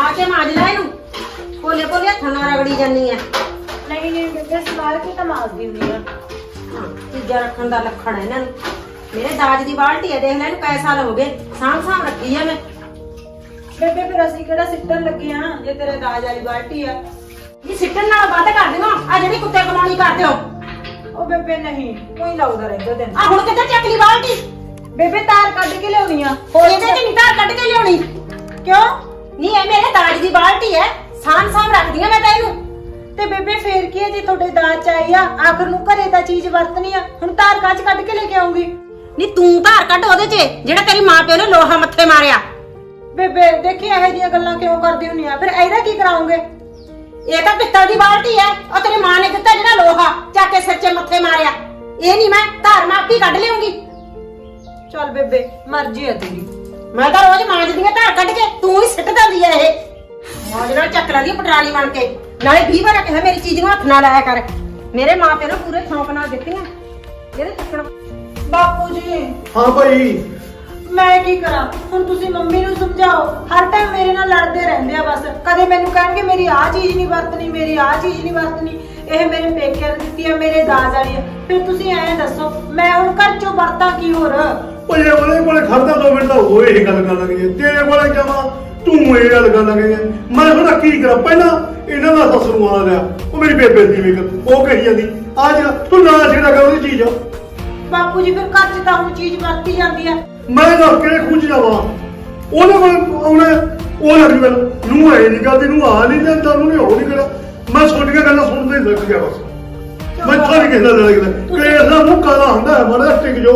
ਕੇ ਮਾਂਜ ਲੈ ਇਹਨੂੰ। ਪੋਲੇ ਪੋਲੇ ਹੱਥਾਂ ਨਾਲ ਰਗੜੀ ਜਾਨੀ ਆ। ਨਹੀਂ ਨਹੀਂ ਬੇਬੇ ਸਮਾਰ ਕੇ ਤਾਂ ਮਾਰਦੀ ਹੁੰਦੀ ਆ। ਹਾਂ, ਚੀਜ਼ਾਂ ਰੱਖਣ ਦਾ ਲੱਖਣ ਹੈ ਇਹਨਾਂ ਨੂੰ। ਮੇਰੇ ਦਾਜ ਦੀ ਬਾਲਟੀ ਹੈ, ਦੇਖ ਲੈ ਇਹਨੂੰ ਕਈ ਸਾਲ ਹੋ ਗਏ ਸਾਂਭ ਸਾਂਭ ਰੱਖੀ ਆ ਮੈਂ। ਬੇਬੇ ਫਿਰ ਅਸੀਂ ਕਿਹੜਾ ਸਿੱਟਣ ਲੱਗੇ ਆ ਜੇ ਤੇਰੇ ਦਾਜ ਵਾਲੀ ਬਾਲਟੀ ਆ। ਇਹ ਸਿੱਟਣ ਨਾਲ ਵੱਧ ਕਰ ਦਿਓ ਆ ਜਿਹੜੀ ਕੁੱਤੇ ਕਮਾਉਣੀ ਕਰਦੇ ਹੋ। ਉਹ ਬੇਬੇ ਨਹੀਂ ਕੋਈ ਲਾਉਦਾ ਰਹਿੰਦਾ ਤੈਨੂੰ। ਆ ਹੁਣ ਕਿੱਥੇ ਚੱਕ ਲਈ ਬਾਲਟੀ? ਬੇਬੇ ਤਾਰ ਕੱਢ ਕੇ ਲਿਆਉਣੀ ਆ। ਇਹਦੇ ਚ ਨਹੀਂ ਤਾਰ ਕੱਢ ਕੇ ਲਿਆਉਣੀ। ਕਿਉਂ? ਨਹੀਂ ਇਹ ਮੇਰੇ ਦਾਜ ਦੀ ਬਾਲਟੀ ਹੈ, ਸਾਂਭ ਸਾਂਭ ਰੱਖਦੀ ਆ ਮੈਂ ਤਾਂ ਇਹਨੂੰ। ਤੇ ਬੇਬੇ ਫੇਰ ਕੀ ਹੈ ਜੇ ਤੁਹਾਡੇ ਦਾਜ ਚ ਆਈ ਆ, ਆਖਰ ਨੂੰ ਘਰੇ ਤਾਂ ਚੀਜ਼ ਵਰਤਣੀ ਆ। ਹੁਣ ਤਾਰ ਕੱਚ ਕੱਢ ਕੇ ਲੈ ਕੇ ਆਉਂਗੀ। ਨਹੀਂ ਤੂੰ ਧਾਰ ਕੱਢ ਉਹਦੇ ਚ ਜਿਹੜਾ ਤੇਰੀ ਮਾਂ ਪਿਓ ਨੇ ਲੋਹਾ ਮੱਥੇ ਮਾਰਿਆ। ਬੇਬੇ ਦੇਖੀ ਇਹੋ ਜਿਹੀਆਂ ਗੱਲਾਂ ਕਿਉਂ ਕਰਦੀ ਹੁੰਨੀ ਆ? ਫਿਰ ਇਹਦਾ ਕੀ ਕਰਾਉਂਗੇ? ਇਹ ਤਾਂ ਪਿੱਤਲ ਦੀ ਬਾਲਟੀ ਹੈ, ਉਹ ਤੇਰੀ ਮਾਂ ਨੇ ਦਿੱਤਾ ਜਿਹੜਾ ਲੋਹਾ ਚੱਕ ਕੇ ਸਿਰ 'ਚ ਮੱਥੇ ਮਾਰਿਆ। ਇਹ ਨਹੀਂ ਮੈਂ ਧਾਰ ਮਾਪੀ ਕੱਢ ਲਿਆਉਂਗੀ। ਚੱਲ ਬੇਬੇ ਮਰਜ਼ੀ ਆ ਤੇਰੀ। ਮੈਂ ਤਾਂ ਰੋਜ਼ ਮਾਂਜਦੀ ਆ ਧਾਰ ਕੱਢ ਕੇ, ਤੂੰ ਹੀ ਸਿੱਟ ਦਿੰਦੀ ਐ ਇਹ। ਮੌਜ ਨਾਲ ਚੱਕ ਲੈਂਦੀ ਪਟਰਾਲੀ ਬਣ ਕੇ। ਨਾਲੇ 20 ਵਾਰ ਕਿਹਾ ਮੇਰੀ ਚੀਜ਼ ਨੂੰ ਹੱਥ ਨਾ ਲਾਇਆ ਕਰ। ਮੇਰੇ ਮਾਂ ਪਿਓ ਨੇ ਪੂਰੇ ਸ਼ੌਂਕ ਨਾਲ ਦਿੱਤੀਆਂ ਇਹਦੇ ਚੱਕਣ। ਬਾਪੂ ਜੀ ਹਾਂ ਭਾਈ, ਮੈਂ ਕੀ ਕਰਾਂ ਹੁਣ? ਤੁਸੀਂ ਮੰਮੀ ਨੂੰ ਸਮਝਾਓ। ਹਰ ਟਾਈਮ ਮੇਰੇ ਨਾਲ ਲੜਦੇ ਰਹਿੰਦੇ ਆ ਬਸ। ਕਦੇ ਮੈਨੂੰ ਕਹਿਣਗੇ ਮੇਰੀ ਆਹ ਚੀਜ਼ ਨਹੀਂ ਵਰਤਣੀ, ਮੇਰੀ ਆਹ ਚੀਜ਼ ਨਹੀਂ ਵਰਤਣੀ। ਇਹ ਮੇਰੇ ਪੇਕਿਆਂ ਨੇ ਦਿੱਤੀ ਆ, ਮੇਰੇ ਦਾਜ ਵਾਲੀ ਆ। ਫਿਰ ਤੁਸੀਂ ਐਂ ਦੱਸੋ ਮੈਂ ਹੁਣ ਘਰ ਚੋਂ ਵਰਤਾਂ ਕੀ ਹੋਰ? ਉਹਦੇ ਕੋਲੇ ਖੜਦਾ 2 ਮਿੰਟ ਤਾਂ ਉਹ ਇਹ ਗੱਲ ਕਰਨ ਲੱਗ ਗਈ। ਤੇਰੇ ਕੋਲੇ ਜਾਵਾਂ ਤੂੰ ਇਹ ਗੱਲ ਕਰਨ ਲੱਗ ਗਈ। ਮੈਂ ਹੁਣ ਕੀ ਕਰਾਂ? ਪਹਿਲਾਂ ਇਹਨਾਂ ਦਾ ਸੱਸ ਨੂੰ ਆ ਰਿਹਾ, ਉਹ ਮੇਰੀ ਬੇਬੇ ਦੀ ਵੇਖ ਉਹ ਕਹੀ ਜਾਂਦੀ ਆ ਜਿਹੜਾ ਤੂੰ ਨਾ ਛੇੜਾ ਕਰ ਉਹਦੀ ਚੀਜ਼। ਬਾਪੂ ਜੀ ਫਿਰ ਘਰ 'ਚ ਤਾਂ ਹੁਣ ਚੀਜ਼ ਵਰਤੀ ਜਾਂਦੀ ਆ। ਮੈਂ ਦੱਸ ਕਿਹੜੇ ਖੁੰਝ ਜਾਵਾਂ? ਉਹਦੇ ਕੋਲ ਉਹਨੇ ਉਹ ਲੱਗ ਗਈ ਨੂੰ ਆਏ ਨਹੀਂ ਕਰਦੀ, ਨੂੰ ਆ ਨਹੀਂ ਜਾਂਦਾ, ਉਹਨੇ ਉਹ ਨਹੀਂ ਕਰਾ। ਮੈਂ ਸੁਣ ਕੇ ਗੱਲਾਂ ਸੁਣਦੇ ਹੀ ਲੱਗ ਗਿਆ ਬਸ। ਮੈਂ ਤਾਂ ਨਹੀਂ ਕਹਿੰਦਾ ਲੱਗਦਾ ਕਿ ਇਹਦਾ ਮੂੰਹ ਕਾਲਾ ਹੁੰਦਾ ਹੈ। ਮਾੜਾ ਟਿਕ ਜੋ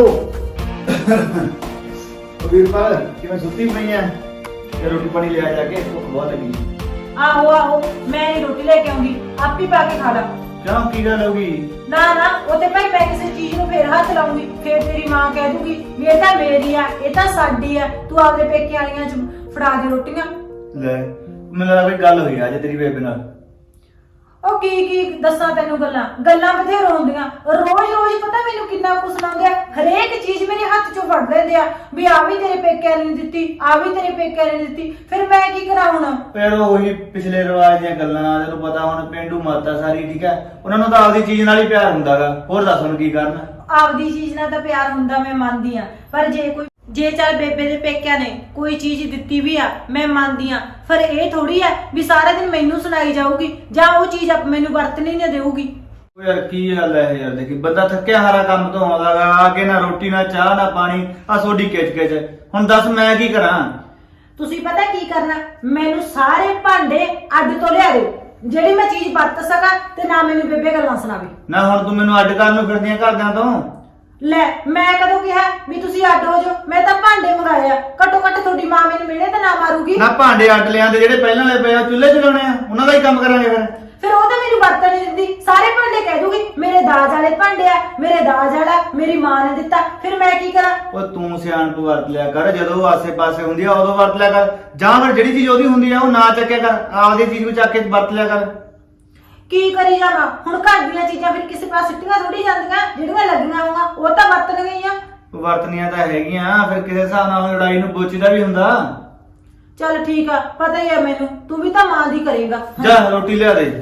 ਵੀਰਪਾਲ ਕਿਵੇਂ ਸੁੱਤੀ ਪਈ ਐ? ਤੇ ਰੋਟੀ ਪਾਣੀ ਲਿਆ ਜਾ ਕੇ, ਭੁੱਖ ਬਹੁਤ ਲੱਗੀ। ਆਹੋ ਆਹੋ ਮੈਂ ਨਹੀਂ ਰੋਟੀ ਲੈ ਕੇ ਆਉਂਗੀ, ਆਪ ਹੀ ਪਾ ਕੇ ਖਾ ਲਾ। ਕਿਉਂ ਕੀ ਗੱਲ ਹੋ ਗਈ? ਨਾ ਨਾ ਉਹ ਤੇ ਭਾਈ ਮੈਂ ਕਿਸੇ ਚੀਜ਼ ਨੂੰ ਫੇਰ ਹੱਥ ਲਾਉਂਗੀ, ਫੇਰ ਤੇਰੀ ਮਾਂ ਕਹਿ ਦੂਗੀ ਵੀ ਇਹ ਤਾਂ ਮੇਰੀ ਆ, ਇਹ ਤਾਂ ਸਾਡੀ ਆ, ਤੂੰ ਆਪਦੇ ਪੇਕੇ ਵਾਲੀਆਂ ਚ ਫੜਾ ਦੇ ਰੋਟੀਆਂ। ਲੈ ਮੈਨੂੰ ਲੱਗਦਾ ਕੋਈ ਗੱਲ ਹੋਈ ਅੱਜ ਤੇਰੀ ਬੇਬੇ ਨਾਲ। ਉਹ ਕੀ ਦੱਸਾਂ ਤੈਨੂੰ ਗੱਲਾਂ ਬਥੇਰ ਹੁੰਦੀਆਂ। ਰੋਜ਼ ਰੋਜ਼ ਪਤਾ ਮੈਨੂੰ ਕਿੰਨਾ ਕੁਛ ਲਾਉਂਦੇ ਆ। ਹਰੇਕ ਚੀਜ਼ ਮੇਰੇ ਹੱਥ ਚੋਂ ਫੜ ਲੈਂਦੇ ਆ ਵੀ ਆ ਵੀ ਤੇਰੇ ਪੇਕਿਆਂ ਨੇ ਦਿੱਤੀ, ਆ ਵੀ ਤੇਰੇ ਪੇਕਿਆਂ ਨੇ ਦਿੱਤੀ। ਫਿਰ ਮੈਂ ਕੀ ਕਰਾਂ ਹੁਣ? ਫਿਰ ਉਹੀ ਪਿਛਲੇ ਰਿਵਾਜ ਦੀਆਂ ਗੱਲਾਂ। ਤੈਨੂੰ ਪਤਾ ਹੁਣ ਪਿੰਡੂ ਮਾਤਾ ਸਾਰੀ, ਠੀਕ ਹੈ, ਉਹਨਾਂ ਨੂੰ ਤਾਂ ਆਪਦੀ ਚੀਜ਼ ਨਾਲ ਹੀ ਪਿਆਰ ਹੁੰਦਾਗਾ। ਹੋਰ ਦੱਸ ਹੁਣ ਕੀ ਕਰਨਾ? ਆਪਦੀ ਚੀਜ਼ ਨਾਲ ਤਾਂ ਪਿਆਰ ਹੁੰਦਾ, ਮੈਂ ਮੰਨਦੀ ਆ। ਪਰ ਜੇ ਚੱਲ ਬੇਬੇ ਦੇ ਪੇਕਿਆਂ ਨੇ ਕੋਈ ਚੀਜ਼ ਦਿੱਤੀ ਵੀ ਆ, ਮੈਂ ਮੰਨਦੀ ਆ। ਫਿਰ ਇਹ ਥੋੜੀ ਆ ਵੀ ਸਾਰਾ ਦਿਨ ਮੈਨੂੰ ਸੁਣਾਈ ਜਾਊਗੀ ਜਾਂ ਉਹ ਚੀਜ਼ ਮੈਨੂੰ ਵਰਤਣੀ ਨਾ ਦੇਊਗੀ। ਉਹ ਯਾਰ ਕੀ ਗੱਲ ਹੈ ਯਾਰ? ਦੇਖੀ ਬੰਦਾ ਥੱਕਿਆ ਹਾਰਾ ਕੰਮ ਤੋਂ ਆਉਂਦਾਗਾ, ਆ ਕੇ ਨਾ ਰੋਟੀ ਨਾ ਚਾਹ ਨਾ ਪਾਣੀ, ਆ ਸੋਡੀ ਕਿਚ ਹੁਣ ਦੱਸ ਮੈਂ ਕੀ ਕਰਾਂ? ਤੁਸੀਂ ਪਤਾ ਕੀ ਕਰਨਾ? ਮੈਨੂੰ ਸਾਰੇ ਭਾਂਡੇ ਅੱਡ ਤੋਂ ਲਿਆ ਦਿਓ ਜਿਹੜੀ ਮੈਂ ਚੀਜ਼ ਵਰਤ ਸਕਾਂ, ਤੇ ਨਾ ਮੈਨੂੰ ਬੇਬੇ ਗੱਲਾਂ ਸੁਣਾਵੇ। ਨਾ ਹੁਣ ਤੂੰ ਮੈਨੂੰ ਅੱਡ ਕਰਨ ਨੂੰ ਫਿਰਦੀਆਂ ਘਰਦਿਆਂ ਤੋਂ। ਲੈ ਮੈਂ ਕਦੋਂ ਕਿਹਾ ਵੀ ਤੁਸੀਂ ਅੱਡ ਹੋ ਜਾਓ? ਮੈਂ ਤਾਂ ਭਾਂਡੇ ਮੰਗਾਏ ਆ। ਘੱਟੋ ਘੱਟ ਤੁਹਾਡੀ ਮਾਂ ਮੈਨੂੰ ਮਿਹਣੇ ਤਾਂ ਨਾ ਮਾਰੂਗੀ। ਨਾ ਭਾਂਡੇ ਅੱਡ ਲਿਆਂਦੇ ਜਿਹੜੇ ਪਹਿਲਾਂ ਵਾਲੇ ਪਏ ਆ, ਚੁੱਲ੍ਹੇ ਚਲਾਉਣੇ ਆ, ਉਹਨਾਂ ਦਾ ਹੀ ਕੰਮ ਕਰਾਂਗੇ ਫਿਰ। ਫਿਰ ਉਹ ਤਾਂ ਮੈਨੂੰ ਵਰਤਣ ਨਹੀਂ ਦਿੰਦੀ। ਸਾਰੇ ਭਾਂਡੇ ਕਹਿ ਦੂਗੀ ਮੇਰੇ ਦਾਜ ਵਾਲੇ ਭਾਂਡੇ ਆ, ਮੇਰੇ ਦਾਜ ਵਾਲਾ ਮੇਰੀ ਮਾਂ ਨੇ ਦਿੱਤਾ। ਫਿਰ ਮੈਂ ਕੀ ਕਰਾਂ? ਉਹ ਤੂੰ ਸਿਆਣਪ ਵਰਤ ਲਿਆ ਕਰ, ਜਦੋਂ ਉਹ ਆਸੇ-ਪਾਸੇ ਹੁੰਦੀ ਆ ਉਦੋਂ ਵਰਤ ਲਿਆ ਕਰ, ਜਾਂ ਫਿਰ ਜਿਹੜੀ ਚੀਜ਼ ਉਹਦੀ ਹੁੰਦੀ ਆ ਉਹ ਨਾ ਚੱਕਿਆ ਕਰ, ਆਪਦੀ ਚੀਜ਼ ਨੂੰ ਚੱਕ ਕੇ ਵਰਤ ਲਿਆ ਕਰ। ਕੀ ਕਰੀ ਜਾਵਾਂ ਹੁਣ? ਘਰ ਦੀਆਂ ਚੀਜ਼ਾਂ ਫਿਰ ਕਿਸੇ ਪਾਸੇ ਸਿੱਟੀਆਂ ਥੋੜੀ ਜਾਂਦੀਆਂ, ਜਿਹੜੀਆਂ ਲੱਗੀਆਂ ਹੋਊਗਾ ਉਹ ਤਾਂ ਵਰਤਣ ਗਈਆਂ। ਵਰਤਨੀਆਂ ਤਾਂ ਹੈਗੀਆਂ, ਫਿਰ ਕਿਸੇ ਹਿਸਾਬ ਨਾਲ ਲੜਾਈ ਨੂੰ ਬੋਚੀਦਾ ਵੀ ਹੁੰਦਾ। ਚੱਲ ਠੀਕ ਆ, ਪਤਾ ਹੀ ਆ ਮੈਨੂੰ, ਤੂੰ ਵੀ ਤਾਂ ਮਾਂ ਦੀ ਕਰੇਗਾ। ਜਾ ਰੋਟੀ ਲਿਆ ਦੇ।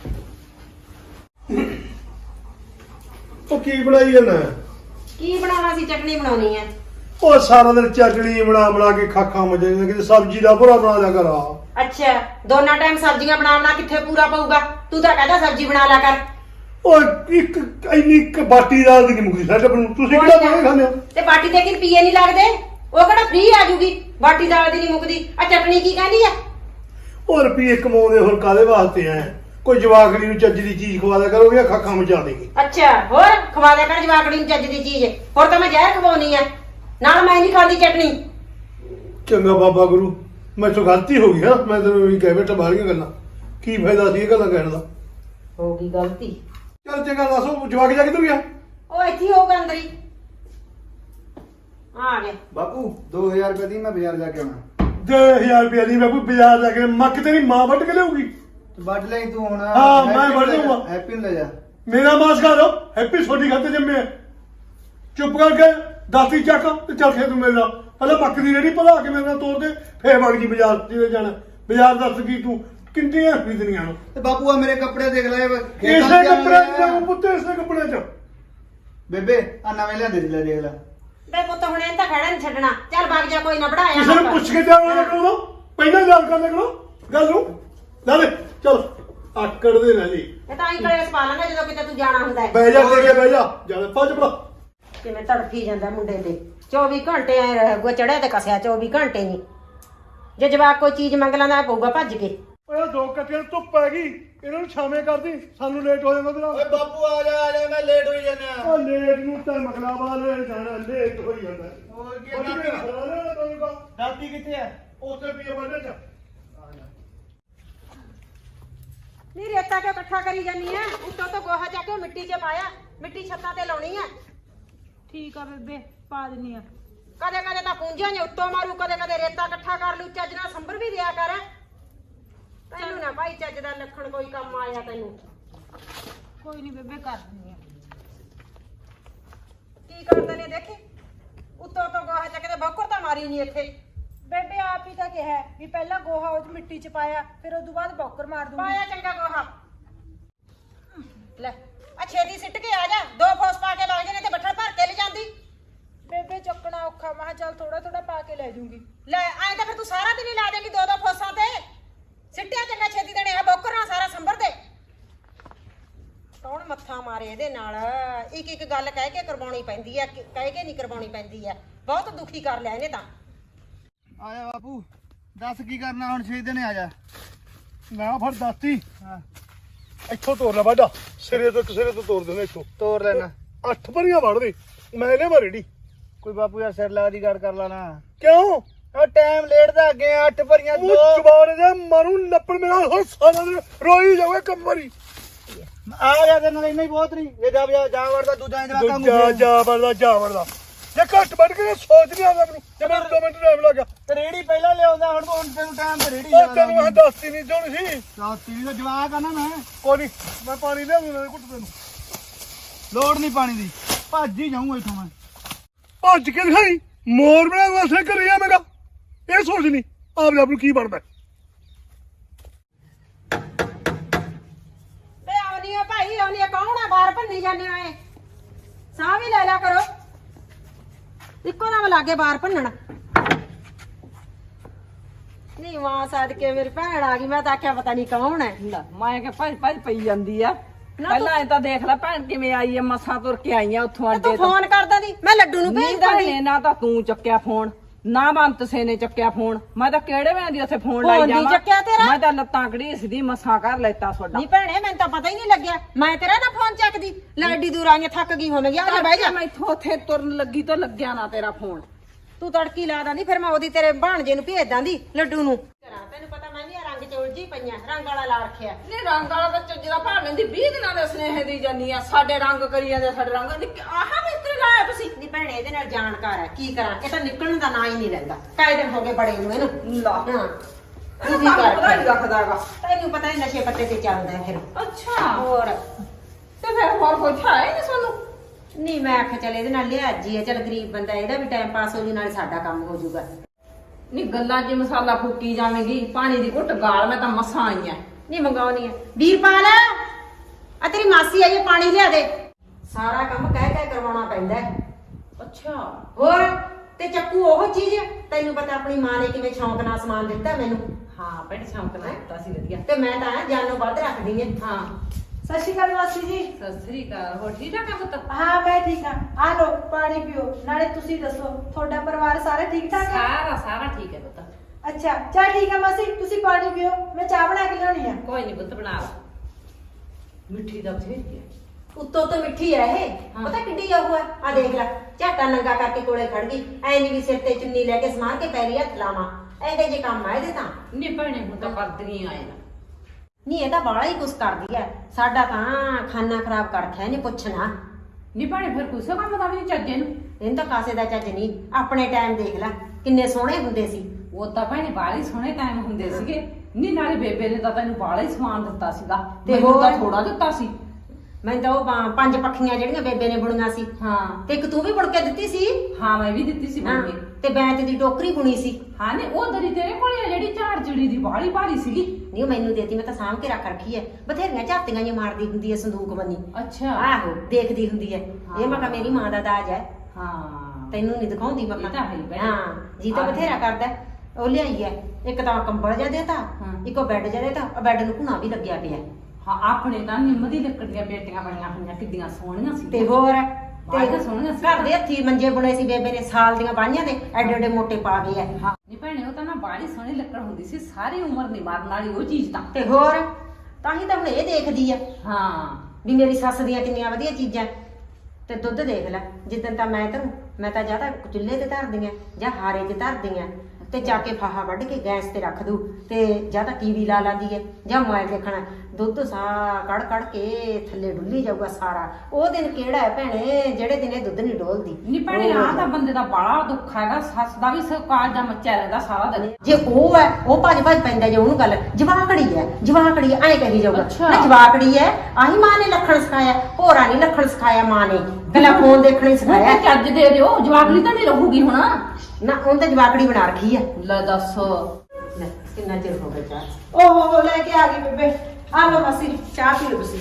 ਉਹ ਕੀ ਬਣਾਈ ਜਾਂਦਾ? ਕੀ ਬਣਾਉਣਾ ਸੀ? ਚਟਣੀ ਬਣਾਉਣੀ ਹੈ। ਉਹ ਸਾਰਾ ਦਿਨ ਚਟਣੀ ਬਣਾ ਕੇ ਖਾਖਾਂ ਮਜੇ ਕਿਤੇ ਸਬਜ਼ੀ ਦਾ ਭੁਰਾ ਬਣਾ ਲਿਆ ਕਰ। ਅੱਛਾ, ਦੋਨਾਂ ਟਾਈਮ ਸਬਜ਼ੀਆਂ ਬਣਾਉਣਾ ਕਿੱਥੇ ਪੂਰਾ ਪਊਗਾ? ਤੂੰ ਤਾਂ ਕਹਿੰਦਾ ਸਬਜ਼ੀ ਬਣਾ ਲਿਆ ਕਰ। ਉਹ ਇੱਕ ਇੰਨੀ ਬਾਟੀ ਦਾਲ ਦੀ ਮੁਕਦੀ ਸਾਡੇ ਕੋਲ। ਤੁਸੀਂ ਕਿਹੜਾ ਬਣਾ ਖਾਂਦੇ ਹੋ? ਤੇ ਬਾਟੀ ਦੇ ਕਿ ਰੁਪਈਏ ਨਹੀਂ ਲੱਗਦੇ? ਉਹ ਕਿਹੜਾ ਫ੍ਰੀ ਆ ਜੂਗੀ? ਬਾਟੀ ਦਾਲ ਦੀ ਨਹੀਂ ਮੁੱਕਦੀ। ਆ ਚਟਣੀ ਕੀ ਕਹਿੰਦੀ ਆ? ਉਹ ਰੁਪਈਏ ਕਮਾਉਂਦੇ ਹੋਰ ਕਾਦੇ ਵਾਸਤੇ ਆ? ਕੋਈ ਜਵਾਕੜੀ ਨੂੰ ਚੱਜ ਦੀ ਚੀਜ਼ ਖਵਾ ਦਿਆ ਕਰੋਗੇ ਜਾਂ ਖਾਖਾਂ ਮਚਾ ਦੇਗੀ? ਅੱਛਾ, ਹੋਰ ਖਵਾ ਦਿਆ ਕਰ ਜਵਾਕੜੀ ਨੂੰ ਚੱਜ ਦੀ ਚੀਜ਼। ਹੋਰ ਤਾਂ ਮੈਂ ਜ਼ਹਿਰ ਖਵਾਉਣੀ ਆ, ਨਾਲ ਮੈਂ ਨਹੀਂ ਖਾਂਦੀ ਚਟਣੀ। ਚੰਗਾ ਬਾਬਾ ਗੁਰੂ, ਮੈਥੋਂ ਗਲਤੀ ਹੋ ਗਈ। ਹਾਂ ਮੈਂ ਤੈਨੂੰ ਵੀ ਕਹਿ ਬੈਠਾ ਬਾਹਲੀਆਂ ਗੱਲਾਂ। ਕੀ ਫਾਇਦਾ ਸੀ ਇਹ ਗੱਲਾਂ ਕਹਿਣ ਦਾ? ਹੋ ਗਈ ਗਲਤੀ। ਚੱਲ ਚੰਗਾ ਦੱਸੋ ਜਵਾਕ ਜਾ ਕਿੱਧਰ ਗਿਆ? ਉਹ ਇੱਥੇ ਹੋਊਗਾ ਅੰਦਰ ਹੀ। ਆ ਗਿਆ। ਬਾਪੂ 2000 ਰੁਪਏ ਦੀ ਮੈਂ ਬਾਜ਼ਾਰ ਜਾ ਕੇ ਆਉਣਾ। 2000 ਰੁਪਏ ਦੀ ਬਾਬੂ ਬਾਜ਼ਾਰ ਜਾ ਕੇ ਮੱਕ ਤੇਰੀ ਮਾਂ ਵੱਢ ਕੇ ਲਿਆਊਗੀ। ਤੂੰ ਵੱਢ ਲਈ ਤੂੰ ਹੁਣ। ਹਾਂ, ਮੈਂ ਵੱਢ ਲਊਂਗਾ। ਹੈਪੀ ਨੂੰ ਲੈ ਜਾ। ਮੇਰਾ ਮਾਸ ਖਾ ਲਓ। ਹੈਪੀ ਛੋਟੀ ਖਾਤੇ ਜੰਮੇ ਆ। ਚੁੱਪ ਕਰਕੇ ਦਾਤੀ ਚੱਕ ਤੇ ਚੱਲ ਖੇਤ ਮੇਰੇ ਨਾਲ। ਪਹਿਲਾਂ ਮੱਕ ਦੀ ਰੇੜੀ ਭਲਾ ਕੇ ਮੇਰੇ ਨਾਲ ਤੋੜ ਦੇ, ਫੇਰ ਵਗ ਜੀ ਬਾਜ਼ਾਰ ਜਿਹਦੇ ਜਾਣਾ। ਬਾਜ਼ਾਰ ਦੱਸ ਕੀ ਤੂੰ ਕਿੰਨੀਆਂ ਖਰੀਦਣੀਆਂ ਨੇ ਤੇ ਬਾਪੂ ਆ ਮੇਰੇ ਕੱਪੜੇ ਦੇਖ ਲੈ ਇਸੇ ਕੱਪੜੇ ਚ ਪੁੱਤੇ ਇਸੇ ਕੱਪੜੇ ਚ ਬੇਬੇ ਆ ਨਵੇਂ ਲਿਆਂਦੇ ਸੀ ਲੈ ਦੇਖ ਲੈ ਬੇ ਪੁੱਤ ਹੁਣ ਇਹਨੂੰ ਤਾਂ ਖੜਾ ਨਹੀਂ ਛੱਡਣਾ ਚੱਲ ਵਗ ਜਾ ਕੋਈ ਨਾ ਬੜਾਇਆ ਕਿਸੇ ਨੂੰ ਪੁੱਛ ਕੇ ਜਾਵਾਂ ਕਰੋ ਪਹਿਲਾਂ ਗੱਲ ਕਰ ਲੈ ਕਰੋ ਗੱਲ ਨੂੰ ਲੈ ਲੈ ਚਲ ਆਕੜ ਦੇ ਲੈ ਜੀ ਇਹ ਤਾਂ ਹੀ ਕਲੇਸ਼ ਪਾ ਲੈਂਦਾ ਜਦੋਂ ਕਿਤੇ ਤੂੰ ਜਾਣਾ ਹੁੰਦਾ ਹੈ ਬਹਿ ਜਾ ਦੇ ਕੇ ਬਹਿ ਜਾ ਜਿਆਦਾ ਫੱਜ ਪੜਾ ਕਿਵੇਂ ਤੜਫੀ ਜਾਂਦਾ ਮੁੰਡੇ ਤੇ 24 ਘੰਟੇ ਐ ਰਹੂਗਾ ਚੜਿਆ ਤੇ ਕਸਿਆ 24 ਘੰਟੇ ਨਹੀਂ ਜੇ ਜਵਾਕ ਕੋਈ ਚੀਜ਼ ਮੰਗ ਲੈਂਦਾ ਪਊਗਾ ਭੱਜ ਕੇ ਓਏ ਦੋ ਕੱਟੀਆਂ ਧੁੱਪ ਪੈ ਗਈ ਇਹਨਾਂ ਨੂੰ ਛਾਵੇਂ ਕਰਦੀ ਸਾਨੂੰ ਲੇਟ ਹੋ ਜਾਂਦਾ ਤੇਰਾ ਓਏ ਬਾਪੂ ਆ ਜਾ ਮੈਂ ਲੇਟ ਹੋਈ ਜਾਂਦਾ ਉਹ ਲੇਟ ਨੂੰ ਤਾਂ ਮਖਲਾਵਾ ਲੈਣ ਜਾਣਾ ਲੇਟ ਹੋਈ ਜਾਂਦਾ ਹੋਰ ਕੀ ਉਹ ਦਾਦੀ ਕਿੱਥੇ ਆ ਉੱਥੇ ਪੀਏ ਬੰਦੇ ਚ ਨੀ ਰੇਤਾ ਕਿਉਂ ਇਕੱਠਾ ਕਰੀ ਜਾਨੀ ਐ ਉੱਤੋਂ ਤੋਂ ਗੋਹਾ ਚੱਕ ਕੇ ਮਿੱਟੀ 'ਚ ਪਾਇਆ ਮਿੱਟੀ ਛੱਤਾਂ ਤੇ ਲਾਉਣੀ ਐ ਠੀਕ ਆ ਬੇਬੇ ਪਾ ਦਿੰਨੀ ਆ ਕਦੇ ਕਦੇ ਤਾਂ ਪੁੰਜਾਂ ਨੇ ਉੱਤੋਂ ਮਾਰੂ ਕਦੇ ਕਦੇ ਰੇਤਾ ਇਕੱਠਾ ਕਰ ਲੂ ਚੱਜ ਨਾਲ ਸੰਭਰ ਵੀ ਦਿਆ ਕਰ ਤੈਨੂੰ ਨਾ ਭਾਈ ਚੱਜ ਦਾ ਲੱਖਣ ਕੋਈ ਕੰਮ ਆਇਆ ਤੈਨੂੰ ਕੋਈ ਨਹੀਂ ਬੇਬੇ ਕਰ ਦਿੰਨੀ ਆ ਕੀ ਕਰਦੇ ਨੇ ਦੇਖੀ ਉੱਤੋਂ ਤੋਂ ਗੋਹਾ ਚੱਕ ਕੇ ਬੌਕਰ ਤਾਂ ਮਾਰੀ ਨਹੀਂ ਇੱਥੇ ਬੇਬੇ ਆਪ ਹੀ ਤਾਂ ਕਿਹਾ ਵੀ ਪਹਿਲਾਂ ਗੋਹਾ ਉਹ 'ਚ ਮਿੱਟੀ 'ਚ ਪਾਇਆ ਫਿਰ ਉਸ ਤੋਂ ਬਾਅਦ ਬੌਕਰ ਮਾਰ ਦੂੰਗੀ ਪਾਇਆ ਚੰਗਾ ਗੋਹਾ ਲੈ ਆ ਛੇਤੀ ਸਿੱਟ ਕੇ ਆ ਜਾ 2 ਫੋਸ ਪਾ ਕੇ ਲਾਉਂਦੇ ਨੇ ਤੇ ਬੱਠਲ ਭਰ ਕੇ ਲੈ ਜਾਂਦੀ ਬੇਬੇ ਚੱਕਣਾ ਔਖਾ ਮੈਂ ਕਿਹਾ ਚੱਲ ਥੋੜਾ ਥੋੜਾ ਪਾ ਕੇ ਲੈ ਜੂੰਗੀ ਲੈ ਐਂ ਤਾਂ ਫਿਰ ਤੂੰ ਸਾਰਾ ਦਿਨ ਹੀ ਲਾ ਦੇਂਗੀ 2 ਫੋਸਾਂ ਤੇ ਸਿੱਟਿਆ ਚੰਗਾ ਛੇਤੀ ਦੇਣੇ ਆ ਬੌਕਰ ਨਾਲ ਸਾਰਾ ਸੰਭਰ ਦੇ ਕੌਣ ਮੱਥਾ ਮਾਰੇ ਇਹਦੇ ਨਾਲ ਇੱਕ ਇੱਕ ਗੱਲ ਕਹਿ ਕੇ ਕਰਵਾਉਣੀ ਪੈਂਦੀ ਆ ਕਹਿ ਕੇ ਨਹੀਂ ਕਰਵਾਉਣੀ ਪੈਂਦੀ ਆ ਬਹੁਤ ਦੁਖੀ ਕਰ ਲਿਆ ਇਹਨੇ ਤਾਂ ਆ ਜਾ ਬਾਪੂ ਦੱਸ ਕੀ ਕਰਨਾ ਹੁਣ 6 ਦਿਨ ਆ ਜਾ ਨਾ ਫੜ ਦੱਸਤੀ ਹਾਂ ਇੱਥੋਂ ਤੋੜ ਲੈ ਵਾਡਾ ਸਿਰੇ ਤੋਂ ਤੋੜ ਦੇਣਾ ਇੱਥੋਂ ਤੋੜ ਲੈਣਾ 8 ਭਰੀਆਂ ਵੜ ਦੇ ਮੈਂ ਇਹਨੇ ਭਰੜੀ ਕੋਈ ਬਾਪੂ ਯਾਰ ਸਿਰ ਲਾ ਦੀ ਗੱਲ ਕਰ ਲਾਣਾ ਕਿਉਂ ਉਹ ਟਾਈਮ ਲੇਟ ਦਾ ਅੱਗੇ 8 ਭਰੀਆਂ ਉਹ ਚਬਾਰੇ ਦੇ ਮਾਰੂ ਲੱਪੜ ਮੇਰਾ ਹੋ ਸਾਰਾ ਦਿਨ ਰੋਈ ਜਾਵੇ ਕੰਮਰੀ ਆ ਜਾ ਤੇ ਨਾਲ ਇੰਨਾ ਹੀ ਬਹੁਤ ਨਹੀਂ ਇਹ ਜਾ ਵੜਦਾ ਦੂਜਾ ਇੰਦਰਾ ਕੰਮ ਜਾ ਵੜਦਾ ਜੇ ਘੱਟ ਵੱਢ ਕੇ ਸੋਚ ਨਹੀਂ ਆਉਂਦਾ ਮੈਨੂੰ ਜੇ ਮੈਨੂੰ 2 ਮਿੰਟ ਟਾਈਮ ਲੱਗਾ ਤੇ ਰੇੜੀ ਪਹਿਲਾਂ ਲਿਆਉਂਦਾ ਹੁਣ ਤੈਨੂੰ ਟਾਈਮ ਤੇ ਰੇੜੀ ਉਹ ਤੈਨੂੰ ਮੈਂ ਦੱਸਤੀ ਨਹੀਂ ਜੋਣ ਸੀ ਤੀਵੀ ਦਾ ਜਵਾਕ ਆ ਨਾ ਮੈਂ ਕੋਈ ਨਹੀਂ ਮੈਂ ਪਾਣੀ ਲਿਆ ਦੂੰਗਾ ਘੁੱਟ ਤੈਨੂੰ ਲੋੜ ਨਹੀਂ ਪਾਣੀ ਦੀ ਭੱਜ ਹੀ ਜਾਊਂ ਇੱਥੋਂ ਮੈਂ ਭੱਜ ਕੇ ਦਿਖਾਈ ਮੋਰ ਬਣਾ ਵਾਸਤੇ ਕਰੀ ਆ ਮੇਰਾ ਇਹ ਸੋਚ ਨਹੀਂ ਆਪ ਆਪ ਨੂੰ ਕੀ ਬਣਦਾ ਵੇ ਆਉਣੀ ਆ ਭਾਈ ਆਉਣੀ ਆ ਕੌਣ ਆ ਬਾਹਰ ਭੰਨੀ ਜਾਂਦੇ ਆਏ ਸਾਹ ਵੀ ਲੈ ਲਿਆ ਕਰੋ ਇੱਕੋ ਨਾਮ ਲਾਗੇ ਬਾਹਰ ਭੰਨਣ ਨਹੀਂ ਮਾਂ ਸਦਕੇ ਮੇਰੀ ਭੈਣ ਆ ਗਈ ਮੈਂ ਤਾਂ ਆਖਿਆ ਪਤਾ ਨਹੀਂ ਕੌਣ ਹੈ ਮੈਂ ਕਿਹਾ ਭੱਜ ਭੱਜ ਪਈ ਜਾਂਦੀ ਆ ਪਹਿਲਾਂ ਐ ਤਾਂ ਦੇਖ ਲੈ ਭੈਣ ਕਿਵੇਂ ਆਈ ਆ ਮਸਾਂ ਤੁਰ ਕੇ ਆਈ ਆ ਉੱਥੋਂ ਤੇ ਅੱਡੇ ਤੂੰ ਤੋਂ ਫੋਨ ਕਰਦਾ ਦੀ ਮੈਂ ਲੱਡੂ ਨੂੰ ਨਹੀਂ ਭੇਜਦਾ ਦੀ ਭੈਣੇ ਨਾ ਤਾਂ ਤੂੰ ਚੱਕਿਆ ਫੋਨ ਨਾ ਬੰਤ ਸੇ ਨੇ ਚੱਕਿਆ ਫੋਨ ਮੈਂ ਤਾਂ ਕਿਹੜੇ ਵੇਲੇ ਦੀ ਉੱਥੇ ਫੋਨ ਲਾਈ ਫੋਨ ਨੀ ਜਾਵਾਂ ਚੱਕਿਆ ਤੇਰਾ? ਮੈਂ ਤਾਂ ਲੱਤਾਂ ਘੜੀਸਦੀ ਮਸਾਂ ਕਰ ਲੈਤਾ ਤੁਹਾਡਾ ਨਹੀਂ ਭੈਣੇ ਮੈਨੂੰ ਤਾਂ ਪਤਾ ਹੀ ਨਹੀਂ ਲੱਗਿਆ ਮੈਂ ਤੇਰਾ ਨਾ ਫੋਨ ਚੱਕਦੀ ਲੱਡੀ ਦੂਰ ਆਈਆਂ ਥੱਕ ਗਈ ਹੋਵੇਂਗੀ ਆ ਜਾ ਬਹਿ ਜਾ ਮੈਂ ਇੱਥੋਂ ਉੱਥੇ ਤੁਰਨ ਲੱਗੀ ਤਾਂ ਲੱਗਿਆ ਨਾ ਤੇਰਾ ਫੋਨ ਤੂੰ ਤੜਕੀ ਲਾ ਦਾਂਦੀ ਫਿਰ ਮੈਂ ਉਹਦੀ ਤੇਰੇ ਭਾਣਜੇ ਨੂੰ ਭੇਜ ਦਾਂਦੀ ਲੱਡੂ ਨੂੰ ਤੈਨੂੰ ਪਤਾ ਮੈਂ ਵੀ ਰੰਗ ਚ ਉਲਝੀ ਪਈਆਂ ਰੰਗ ਵਾਲਾ ਲਾ ਰੱਖਿਆ ਨਹੀਂ ਰੰਗ ਵਾਲਾ ਤਾਂ ਚੱਜਰਾ ਭਾੜ ਲੈਂਦੀ 20 ਦਿਨਾਂ ਦੇ ਸਨੇਹ ਦੀ ਜਾਨੀ ਆ ਸਾਡੇ ਰੰਗ ਕਰੀ ਜਾਂਦੇ ਸਾਡੇ ਰੰਗ ਆਹ ਮਿਸਤਰੀ ਲਾਇਆ ਤੁਸੀਂ ਨਹੀਂ ਭੈਣੇ ਇਹਦੇ ਨਾਲ ਜਾਣਕਾਰ ਹੈ ਕੀ ਕਰਾਂ ਇਹ ਤਾਂ ਨਿਕਲਣ ਦਾ ਨਾਂ ਹੀ ਨਹੀਂ ਲੈਂਦਾ ਕਾਇ ਦਿਨ ਹੋ ਗਏ ਬੜੇ ਨੂੰ ਇਹਨੂੰ ਲਾ ਹਾਂ ਤੂੰ ਕੀ ਕਰ ਪਤਾ ਹੀ ਰੱਖਦਾਗਾ ਤੈਨੂੰ ਪਤਾ ਹੀ ਨਸ਼ੇ ਪੱਤੇ ਤੇ ਚੱਲਦਾ ਹੈ ਫਿਰ ਅੱਛਾ ਹੋਰ ਤੇ ਫਿਰ ਹੋਰ ਕੋਈ ਹੈ ਨਹੀਂ ਸਾਨੂੰ ਨਹੀਂ ਮੈਂ ਆਖਿਆ ਚੱਲ ਇਹਦੇ ਨਾਲ ਲਿਆਜੀ ਹੈ ਚੱਲ ਗਰੀਬ ਬੰਦਾ ਇਹਦਾ ਵੀ ਟਾਈਮ ਪਾਸ ਹੋ ਜੂ ਨਾਲ ਸਾਡਾ ਕੰਮ ਹੋ ਜਾਊਗਾ ਨਹੀਂ ਗੱਲਾਂ 'ਚ ਮਸਾਲਾ ਫੂਕੀ ਜਾਵੇਂਗੀ ਪਾਣੀ ਦੀ ਘੁੱਟ ਗਾਲ ਮੈਂ ਤਾਂ ਮਸਾਂ ਆਈ ਆ ਨਹੀਂ ਮੰਗਾਉਣੀ ਹੈ ਵੀਰਪਾਲ ਆ ਤੇਰੀ ਮਾਸੀ ਆਈ ਹੈ ਪਾਣੀ ਲਿਆ ਦੇ ਸਾਰਾ ਕੰਮ ਕਹਿ ਕਰਵਾਉਣਾ ਪੈਂਦਾ ਹੈ ਅੱਛਾ ਹੋਰ ਤੇ ਚੱਕੂ ਉਹ ਚੀਜ਼ ਤੈਨੂੰ ਪਤਾ ਆਪਣੀ ਮਾਂ ਨੇ ਕਿਵੇਂ ਸ਼ੌਂਕ ਨਾਲ ਸਮਾਨ ਦਿੱਤਾ ਮੈਨੂੰ ਹਾਂ ਭੈਣ ਸ਼ੌਂਕ ਨਾਲ ਦਿੱਤਾ ਸੀ ਵਧੀਆ ਤੇ ਮੈਂ ਤਾਂ ਜਾਨੋਂ ਵੱਧ ਰੱਖਦੀ ਹਾਂ ਹਾਂ ਸਤਿ ਸ਼੍ਰੀ ਅਕਾਲ ਮਾਸੀ ਜੀ ਸਤਿ ਸ੍ਰੀ ਅਕਾਲ ਹੋਰ ਠੀਕ ਠਾਕ ਆ ਪੁੱਤ ਹਾਂ ਮੈਂ ਠੀਕ ਆ ਆ ਲੋ ਪਾਣੀ ਪੀਓ ਨਾਲੇ ਤੁਸੀਂ ਦੱਸੋ ਤੁਹਾਡਾ ਪਰਿਵਾਰ ਸਾਰਾ ਠੀਕ ਠਾਕ ਹੈ ਸਾਰਾ ਠੀਕ ਹੈ ਪੁੱਤ ਅੱਛਾ ਚਲ ਠੀਕ ਆ ਮਾਸੀ ਤੁਸੀਂ ਪਾਣੀ ਪੀਓ ਮੈਂ ਚਾਹ ਬਣਾ ਕੇ ਲਿਆਉਣੀ ਆ ਕੋਈ ਨਹੀਂ ਪੁੱਤ ਬਣਾ ਲਾ ਮਿੱਠੀ ਦਾ ਬਥੇਰੀ ਹੈ ਉੱਤੋਂ ਤੋਂ ਮਿੱਠੀ ਹੈ ਇਹ ਪਤਾ ਕਿੱਡੀ ਆ ਉਹ ਆ ਦੇਖ ਲੈ ਝਾਟਾ ਨੰਗਾ ਕਰਕੇ ਕੋਲੇ ਖੜ ਗਈ ਐ ਨਹੀਂ ਵੀ ਸਿਰ ਤੇ ਚੁੰਨੀ ਲੈ ਕੇ ਸਮਾਰ ਕੇ ਪੈਰੀ ਹੱਥ ਲਾਵਾਂ ਇਹਦੇ ਜੇ ਕੰਮ ਆ ਇਹਦੇ ਤਾਂ ਨਹੀਂ ਭੈਣੇ ਹੁਣ ਤਾਂ ਕਰਦੀਆਂ ਆਏ ਨਾ ਨਹੀਂ ਇਹ ਤਾਂ ਬਾਲਾ ਹੀ ਕੁਛ ਕਰਦੀ ਐ ਸਾਡਾ ਤਾਂ ਖਾਨਾ ਖਰਾਬ ਕਰ ਰੱਖਿਆ ਇਹਨੇ ਪੁੱਛਣਾ ਨਹੀਂ ਭੈਣੇ ਫਿਰ ਕਿਸੇ ਕੰਮ ਦਾ ਵੀ ਨਹੀਂ ਚੱਜੇ ਨੂੰ ਇਹਨੂੰ ਤਾਂ ਕਾਸੇ ਦਾ ਚੱਜ ਨਹੀਂ ਆਪਣੇ ਟਾਈਮ ਦੇਖ ਲੈ ਕਿੰਨੇ ਸੋਹਣੇ ਹੁੰਦੇ ਸੀ ਉਹ ਤਾਂ ਭੈਣੇ ਬਾਹਲੇ ਸੋਹਣੇ ਟਾਈਮ ਹੁੰਦੇ ਸੀਗੇ ਨਹੀਂ ਨਾਲੇ ਬੇਬੇ ਨੇ ਤਾਂ ਤੈਨੂੰ ਬਾਹਲਾ ਹੀ ਸਮਾਨ ਦਿੱਤਾ ਸੀਗਾ ਤੇ ਤੇ ਹੋਰ ਤਾਂ ਹੋਰ? ਥੋੜਾ ਦਿੱਤਾ ਸੀ ਮੈਂ ਤਾਂ ਉਹ 5 ਪੱਖੀਆਂ ਜਿਹੜੀਆਂ ਬੇਬੇ ਨੇ ਬੁਣੀਆਂ ਸੀ ਹਾਂ ਤੇ ਇੱਕ ਤੂੰ ਵੀ ਬੁਣ ਕੇ ਦਿੱਤੀ ਸੀ ਹਾਂ ਮੈਂ ਵੀ ਦਿੱਤੀ ਸੀ ਹਾਂ, ਬਣ ਕੇ ਤੇ ਬੈਂਤ ਦੀ ਟੋਕਰੀ ਬੁਣੀ ਸੀ ਹਾਂ ਨੇ ਉਹ ਦਰੀ ਤੇਰੇ ਕੋਲ ਆ ਜਿਹੜੀ ਝਾੜ ਚ ਚਿੜੀ ਦੀ ਬਾਹਲੀ ਭਾਰੀ ਸੀਗੀ। ਨਹੀਂ ਉਹ ਮੈਨੂੰ ਦੇਤੀ, ਮੈਂ ਤਾਂ ਸਾਂਭ ਕੇ ਰੱਖ ਰੱਖੀ ਐ। ਬਥੇਰੀਆਂ ਝਾਤੀਆਂ ਜਿਹੀਆਂ ਮਾਰਦੀ ਹੁੰਦੀ ਐ ਸੰਦੂਕ ਬੰਨੀ। ਅੱਛਾ ਆਹੋ ਦੇਖਦੀ ਹੁੰਦੀ ਐ। ਇਹ ਮੈਂ ਕਿਹਾ ਮੇਰੀ ਮਾਂ ਦਾ ਦਾਜ ਐ, ਹਾਂ ਤੈਨੂੰ ਨਹੀਂ ਦਿਖਾਉਂਦੀ ਮੈਂ ਇਹ ਤਾਂ ਹੈ ਹੀ ਭੈਣੇ। ਹਾਂ ਜੀ ਤਾਂ ਬਥੇਰਾ ਕਰਦਾ। ਉਹ ਲਿਆਈ ਐ, ਇੱਕ ਤਾਂ ਕੰਬਲ ਜਿਹਾ ਦੇਤਾ, ਇੱਕੋ ਬੈੱਡ ਜਿਹਾ ਦੇਤਾ। ਉਹ ਬੈੱਡ ਨੂੰ ਘੁਣਾ ਵੀ ਲੱਗਿਆ ਪਿਆ। ਹਾਂ ਆਪਣੇ ਤਾਂ ਨਿੰਮ ਦੀ ਲੱਕੜ ਦੀਆਂ ਬੇਟੀਆਂ ਬਣੀਆਂ ਹੋਈਆਂ, ਕਿੱਡੀਆਂ ਸੋਹਣੀਆਂ ਸੀ। ਤੇ ਹੋਰ ਬਾਹਲੀਆਂ ਸੋਹਣੀਆਂ ਸੀ। ਘਰ ਦੇ ਹੱਥੀ ਮੰਜੇ ਬੁਣੇ ਸੀ ਬੇਬੇ ਨੇ, ਸਾਲ ਦੀਆਂ ਬਾਹੀਆਂ ਦੇ ਐਡੇ ਐਡੇ ਮੋਟੇ ਪਾ ਗਏ ਐ। ਹਾਂ ਨਹੀਂ ਭੈਣੇ ਉਹ ਤਾਂ ਨਾ ਬਾਹਲੀ ਸੋਹਣੀ ਲੱਕੜ ਹੁੰਦੀ ਸੀ, ਸਾਰੀ ਉਮਰ ਨਹੀਂ ਮਰਨ ਵਾਲੀ ਉਹ ਚੀਜ਼ ਤਾਂ। ਤੇ ਹੋਰ ਤਾਂ ਹੀ ਤਾਂ ਹੁਣ ਇਹ ਦੇਖਦੀ ਆ ਹਾਂ ਵੀ ਮੇਰੀ ਸੱਸ ਦੀਆਂ ਕਿੰਨੀਆਂ ਵਧੀਆ ਚੀਜ਼ਾਂ। ਤੇ ਦੁੱਧ ਦੇਖ ਲੈ, ਜਿੱਦਣ ਤਾਂ ਮੈਂ ਧਰੂ, ਮੈਂ ਤਾਂ ਜਾਂ ਤਾਂ ਚੁੱਲ੍ਹੇ ਤੇ ਧਰਦੀ ਆ ਜਾਂ ਹਾਰੇ ਤੇ ਧਰਦੀ ਆ, ਤੇ ਜਾ ਕੇ ਫਾਹਾ ਵੱਢ ਕੇ ਗੈਸ ਤੇ ਰੱਖ ਦੂ, ਤੇ ਜਾਂ ਤਾਂ ਟੀਵੀ ਲਾ ਲਾਂਦੀ ਹੈ ਜਾਂ ਮੋਬਾਈਲ ਦੇਖਣਾ। ਦੁੱਧ ਕੜ ਕੜ ਕੇ ਥੱਲੇ ਡੁੱਲੀ ਜਾਊਗਾ ਸਾਰਾ। ਉਹ ਦਿਨ ਕਿਹੜਾ ਹੈ ਭੈਣੇ ਜਿਹੜੇ ਦਿਨ ਇਹ ਦੁੱਧ ਨਹੀਂ ਡੋਲਦੀ। ਨਹੀਂ ਭੈਣੇ ਆਹ ਤਾਂ ਬੰਦੇ ਦਾ ਬਾਲਾ ਦੁੱਖ ਹੈਗਾ, ਸੱਸ ਦਾ ਵੀ ਸਕਾਲ ਦਾ ਮੱਚਿਆ ਰਹਿੰਦਾ ਸਾਰਾ ਦਿਨ। ਜੇ ਉਹ ਹੈ ਉਹ ਭੱਜ ਭੱਜ ਪੈਂਦਾ, ਜੇ ਉਹਨੂੰ ਗੱਲ ਜਵਾਕੜੀ ਹੈ ਜਵਾਕੜੀ ਐਂ ਕਹੀ ਜਾਊਗਾ ਅੱਛਾ। ਨਾ ਜਵਾਕੜੀ ਹੈ। ਆਹੀ ਮਾਂ ਨੇ ਲੱਖਣ ਸਿਖਾਇਆ, ਹੋਰਾਂ ਨਹੀਂ ਲੱਖਣ ਸਿਖਾਇਆ ਮਾਂ ਨੇ, ਪਹਿਲਾਂ ਫੋਨ ਦੇਖਣਾ ਹੀ ਸਿਖਾਇਆ। ਚੱਜ ਦੇ ਦਿਓ, ਜਵਾਕੜੀ ਤਾਂ ਨਹੀਂ ਰਹੂਗੀ ਹੁਣ। ਨਾ ਉਹਨੇ ਤਾਂ ਜਵਾਕੜੀ ਬਣਾ ਰੱਖੀ ਹੈ। ਲੈ ਦੱਸ ਲੈ ਕਿੰਨਾ ਚਿਰ ਹੋ ਗਿਆ ਚਾਹ। ਓਹੋ ਲੈ ਕੇ ਆ ਗਈ ਬੇਬੇ। ਆ ਲੋ ਮਾਸੀ ਚਾਹ ਪੀ ਲਓ ਤੁਸੀਂ।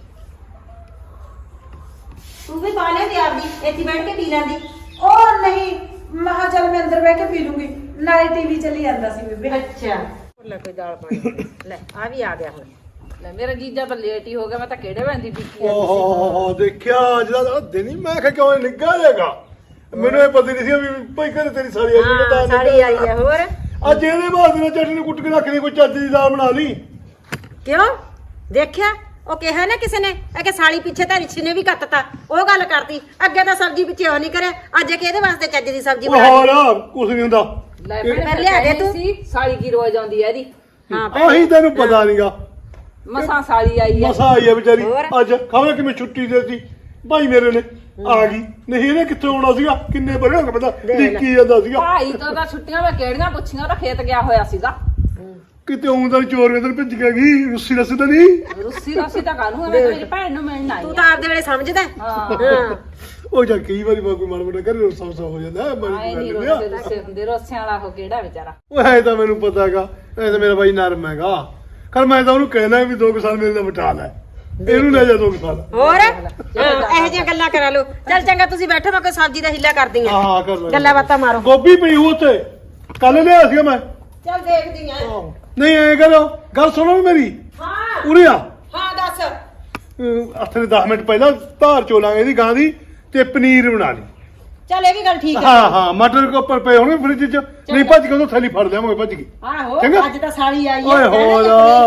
ਤੂੰ ਵੀ ਪਾ ਲਿਆ ਤੇ ਆਪਦੀ ਇੱਥੇ ਬੈਠ ਕੇ ਪੀ ਲੈਂਦੀ। ਉਹ ਨਹੀਂ, ਮਹਾ ਚੱਲ ਮੈਂ ਅੰਦਰ ਬਹਿ ਕੇ ਪੀ ਲੂੰਗੀ, ਨਾਲੇ ਟੀਵੀ ਚੱਲੀ ਜਾਂਦਾ ਸੀ ਬੇਬੇ। ਅੱਛਾ ਲੈ ਕੋਈ ਦਾਲ ਪਾਣੀ ਲੈ ਆ ਵੀ ਆ ਗਿਆ ਹੁਣ। ਲੈ ਮੇਰਾ ਜੀਜਾ ਤਾਂ ਲੇਟ ਹੀ ਹੋ ਗਿਆ, ਮੈਂ ਤਾਂ ਕਿਹੜੇ ਵੰਦੀ ਪੀਤੀ ਓਹ ਦੇਖਿਆ ਅੱਜ ਦਾ ਦਿਨ ਹੀ ਮੈਂ ਕਿਹਾ ਕਿਉਂ ਇਹ ਨਿੱਘਾ ਜਾਏਗਾ। ਮੈਨੂੰ ਇਹ ਪਤਾ ਨਹੀਂ ਸੀ ਵੀ ਭਾਈ ਘਰੇ ਤੇਰੀ ਸਾਰੀ ਆਈ ਹੋਈ ਤਾਂ ਸਾਰੀ ਆਈ ਹੈ। ਹੋਰ ਅੱਜ ਇਹਦੇ ਬਾਅਦ ਨੇ ਚਟਨੀ ਕੁੱਟ ਕੇ ਰੱਖ ਲਈ, ਕੋਈ ਚੱਜ ਦੀ ਦਾਲ ਬਣਾ ਲਈ। ਕਿਉਂ ਦੇਖਿਆ ਉਹ ਕਿਹਾ ਨਾ ਕਿਸੇ ਨੇ ਇਹ ਕਿ ਸਾਲੀ ਪਿੱਛੇ ਤਾਂ ਰਿਛੀ ਨੇ ਵੀ ਕੱਟਤਾ। ਉਹ ਗੱਲ ਕਰਤੀ ਅੱਗੇ ਤਾਂ ਸਬਜ਼ੀ ਪਿੱਛੇ ਉਹ ਨਹੀਂ ਕਰਿਆ, ਅੱਜ ਕਿ ਇਹਦੇ ਵਾਸਤੇ ਚੱਜ ਦੀ ਸਬਜ਼ੀ ਬਣਾ ਲਈ। ਹੋਰ ਕੁਝ ਨਹੀਂ ਹੁੰਦਾ। ਲੈ ਇਹ- ਭੈਣੇ ਲਿਆ ਦੇ ਤੂੰ। ਸੀ ਸਾਲੀ ਕੀ ਰੋਜ਼ ਆਉਂਦੀ ਐ ਇਹਦੀ। ਹਾਂ ਆਹੀ ਤੈਨੂੰ ਪਤਾ ਨਹੀਂਗਾ, ਮਸਾਂ ਸਾਲੀ ਆਈ ਐ। ਮਸਾ ਆਈ ਆ ਵਿਚਾਰੀ ਹੋਰ? ਅੱਜ। ਖਬਰ ਕਿਵੇਂ ਛੁੱਟੀ ਦੇਤੀ ਭਾਈ ਮੇਰੇ ਨੇ, ਆ ਗਈ। ਨਹੀਂ ਇਹਨੇ ਕਿੱਥੇ ਆਉਣਾ ਸੀਗਾ, ਕਿੰਨੇ ਬਰੇ ਹੋ ਗਏ ਪਤਾ ਲਿਖੀ ਜਾਂਦਾ ਸੀਗਾ। ਭਾਈ ਤਾਂ ਛੁੱਟੀਆਂ ਮੈਂ ਕਿਹੜੀਆਂ ਪੁੱਛੀਆਂ, ਉਹ ਤਾਂ ਖੇਤ ਗਿਆ ਹੋਇਆ ਸੀਗਾ। ਕਿਤੇ ਆਉਂਦਾ ਚੋਰ ਇਧਰ ਭਿੱਜ ਗਿਆ ਗਈ, ਰੁੱਸੀ ਰਸੀ ਤਾਂ ਨਹੀਂ। ਰੁੱਸੀ ਤਾਂ ਕਾਹਨੂੰ ਐ, ਮੈਂ ਤਾਂ ਮੇਰੀ ਭੈਣ ਨੂੰ ਮਿਲਣ ਆਈ ਤੂੰ ਆ। ਤਾਂ ਆਪਦੇ ਵੇਲੇ ਸਮਝਦਾ ਹਾਂ ਹਾਂ। ਉਹ ਜਾ ਕਈ ਵਾਰੀ ਕੋਈ ਮਾੜਾ ਮੋਟਾ ਕਰੇ ਰੋਸਾ ਹੋ ਜਾਂਦਾ ਆਏ ਨਹੀਂ ਰੋਸੇ ਹੁੰਦੇ, ਰੋਸਿਆਂ ਵਾਲਾ ਉਹ ਕਿਹੜਾ ਵਿਚਾਰਾ। ਉਹ ਹੈ ਤਾਂ ਮੈਨੂੰ ਪਤਾ ਹੈਗਾ, ਇਹ ਤਾਂ ਮੇਰਾ ਬਾਈ ਨਰਮ ਹੈਗਾ। ਕਰ ਮੈਂ ਤਾਂ ਉਹਨੂੰ ਕਹਿਣਾ ਵੀ 2 ਸਾਲ ਮੇਰੇ ਨਾਲ ਬਟਾ ਲੈ, ਇਹਨੂੰ ਲੈ ਜਾ 2 ਸਾਲ। ਹੋਰ ਇਹੋ ਜਿਹੀਆਂ ਗੱਲਾਂ ਕਰਾ ਲਓ। ਚੱਲ ਚੰਗਾ ਤੁਸੀਂ ਬੈਠੋ, ਮੈਂ ਕੋਈ ਸਬਜ਼ੀ ਦਾ ਹਿੱਲਾ ਕਰਦੀ ਆ। ਹਾਂ ਕਰ ਲੈ ਗੱਲਾਂ ਬਾਤਾਂ ਮਾਰੋ। ਗੋਭੀ ਪਈ ਉਹ ਤੇ ਕੱਲ ਲਿਆ ਸੀਗਾ ਮੈਂ। ਚੱਲ ਦੇਖਦੀ ਆ। ਨਹੀਂ ਐ ਕਰੋ, ਗੱਲ ਸੁਣੋ ਵੀ ਮੇਰੀ। ਹਾਂ ਉਰੇ ਆ, ਹਾਂ ਦੱਸ। ਹੱਥ ਦੇ 10 ਮਿੰਟ ਪਹਿਲਾਂ ਧਾਰ ਚੋਲਾਂਗੇ ਇਹਦੀ ਗਾਂ ਦੀ, ਤੇ ਪਨੀਰ ਬਣਾ ਲਈ। ਚੱਲ ਇਹ ਵੀ ਗੱਲ ਠੀਕ ਹੈ। ਹਾਂ ਹਾਂ ਮਟਰ ਕੋ ਉੱਪਰ ਪਏ ਹੋਣਗੇ ਫ੍ਰਿਜ 'ਚ, ਨਹੀਂ ਭੱਜ ਕੇ ਉਹ ਥੈਲੀ ਫੜ ਲਿਆਵਾਂਗੇ ਭੱਜ ਕੇ। ਆਹੋ ਚੰਗਾ। ਅੱਜ ਤਾਂ ਸਾਲੀ ਆਈ ਓਏ ਹੈ। ਹੋਰ।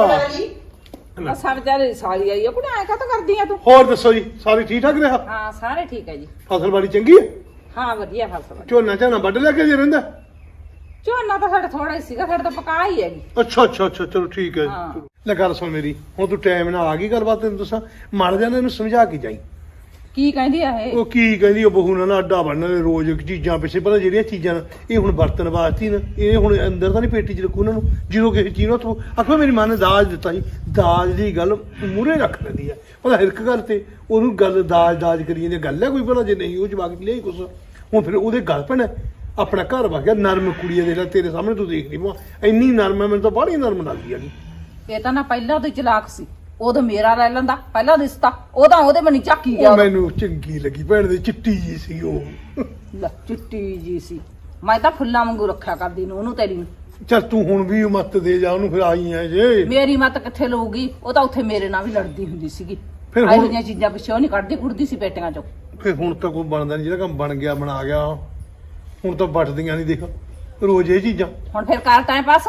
ਆ ਸਭ ਵਿਚਾਰੇ ਸਾਲੀ ਆਈ ਆ, ਕੁੜੇ ਐ ਕਾਹਤੋਂ ਕਰਦੀ ਆ ਤੂੰ? ਹੋਰ ਦੱਸੋ ਜੀ, ਸਾਰੀ ਠੀਕ ਠਾਕ ਰਿਹਾ? ਹਾਂ ਸਾਰੇ ਠੀਕ ਹੈ ਜੀ। ਫਸਲ ਬਾੜੀ ਚੰਗੀ ਹੈ? ਹਾਂ ਵਧੀਆ ਫਸਲ। ਝੋਨਾ ਝਾਨਾ ਵੱਢ ਲਿਆ ਕੇ ਜੇ ਰਹਿੰਦਾ? ਝੋਨਾ ਤਾਂ ਸਾਡਾ ਥੋੜਾ ਹੀ ਸੀਗਾ, ਸਾਡੇ ਤਾਂ ਪਕਾ ਹੀ ਹੈਗੀ। ਅੱਛਾ ਅੱਛਾ ਅੱਛਾ ਚਲੋ ਠੀਕ ਹੈ। ਹਾਂ। ਲੈ ਗੱਲ ਸੁਣ ਮੇਰੀ, ਹੁਣ ਤੂੰ ਟਾਈਮ ਨਾਲ ਆ ਗਈ, ਗੱਲਬਾਤ ਤੈਨੂੰ ਦੱਸਾਂ। ਮਰ ਜਾਣਾ ਇਹਨੂੰ ਸਮਝਾ ਕੇ ਜਾਈ। ਕੀ ਕਹਿੰਦੀ ਆ ਇਹ? ਉਹ ਕੀ ਕਹਿੰਦੀ, ਉਹ ਬਹੂ ਨਾਲ ਨਾ ਅੱਡਾ ਬਣਨ ਰੋਜ਼ ਚੀਜ਼ਾਂ ਪਿੱਛੇ। ਪਤਾ ਜਿਹੜੀਆਂ ਚੀਜ਼ਾਂ ਨਾ ਇਹ ਹੁਣ ਵਰਤਣ ਵਾਸਤੇ ਨਾ, ਇਹ ਹੁਣ ਅੰਦਰ ਤਾਂ ਨਹੀਂ ਪੇਟੀ 'ਚ ਰੱਖੂ ਉਹਨਾਂ ਨੂੰ। ਜਦੋਂ ਕਿਸੇ ਚੀਜ਼ ਨੂੰ ਤੂੰ ਆਖੋ ਮੇਰੀ ਮਾਂ ਨੇ ਦਾਜ ਦਿੱਤਾ ਸੀ, ਦਾਜ ਦੀ ਗੱਲ ਮੂਹਰੇ ਰੱਖ ਲੈਂਦੀ ਆ। ਪਤਾ ਹਰ ਇੱਕ ਗੱਲ ਤੇ ਉਹਨੂੰ ਗੱਲ ਦਾਜ ਕਰੀ ਜਾਂਦੀ। ਗੱਲ ਹੈ ਕੋਈ ਭਲਾ ਜੇ ਨਹੀਂ ਉਹ ਜਵਾਕ ਲਿਆਈ ਕੁਛ, ਹੁਣ ਫਿਰ ਉਹਦੇ ਗੱਲ ਪੈਣਾ। ਆਪਣਾ ਘਰ ਵਗ ਗਿਆ, ਨਰਮ ਕੁੜੀ ਆ, ਦੇਖ ਲੈ ਤੇਰੇ ਸਾਹਮਣੇ ਤੂੰ ਦੇਖ ਲਈ ਇੰਨੀ ਨਰਮ ਹੈ, ਮੈਨੂੰ ਤਾਂ ਬਾਹਲੀ ਨਰਮ ਲੱਗਦੀ ਹੈਗੀ। ਇਹ ਤਾਂ ਨਾ ਪਹਿਲਾਂ ਤੋਂ ਚਲਾਕ ਸੀ, ਉਦੋਂ ਮੇਰਾ ਲੈ ਲੈਂਦਾ ਪਹਿਲਾ ਰਿਸ਼ਤਾ, ਉਹਦਾ ਉਹਦੇ ਮਨੀ ਝਾਕੀ ਗਿਆ। ਉਹ ਮੈਨੂੰ ਚੰਗੀ ਲੱਗੀ ਭੈਣ ਦੀ, ਚਿੱਟੀ ਜੀ ਸੀ ਉਹ। ਲੈ ਚਿੱਟੀ ਜੀ ਸੀ, ਮੈਂ ਤਾਂ ਫੁੱਲਾਂ ਵਾਂਗੂ ਰੱਖਿਆ ਕਰਦੀ ਨੂੰ ਉਹਨੂੰ ਤੇਰੀ ਨੂੰ। ਚੱਲ ਤੂੰ ਹੁਣ ਵੀ ਮੱਤ ਦੇ ਜਾ ਉਹਨੂੰ, ਫਿਰ ਆਈ ਐ ਜੇ। ਮੇਰੀ ਮੱਤ ਕਿੱਥੇ ਲਊਗੀ, ਉਹ ਤਾਂ ਉੱਥੇ ਮੇਰੇ ਨਾਲ ਵੀ ਲੜਦੀ ਹੁੰਦੀ ਸੀਗੀ। ਫਿਰ ਹੁਣ- ਇਹੋ ਜਿਹੀਆਂ ਚੀਜ਼ਾਂ ਪਿੱਛੇ ਉਹ ਨਹੀਂ ਕੱਢਦੀ ਕੁੜਦੀ ਸੀ ਪੇਟੀਆਂ ਚੋਂ। ਫਿਰ ਹੁਣ ਤਾਂ ਕੋਈ ਬਣਦਾ ਨਹੀਂ, ਜਿਹੜਾ ਕੰਮ ਬਣ ਗਿਆ ਬਣਾ ਗਿਆ। ਹੁਣ ਤਾਂ ਵੱਟਦੀਆਂ ਨਹੀਂ, ਦੇਖ ਰੋਜ਼ ਇਹ ਚੀਜ਼ਾਂ। ਹੁਣ ਫਿਰ ਕਰ ਟਾਈਮ ਪਾਸ।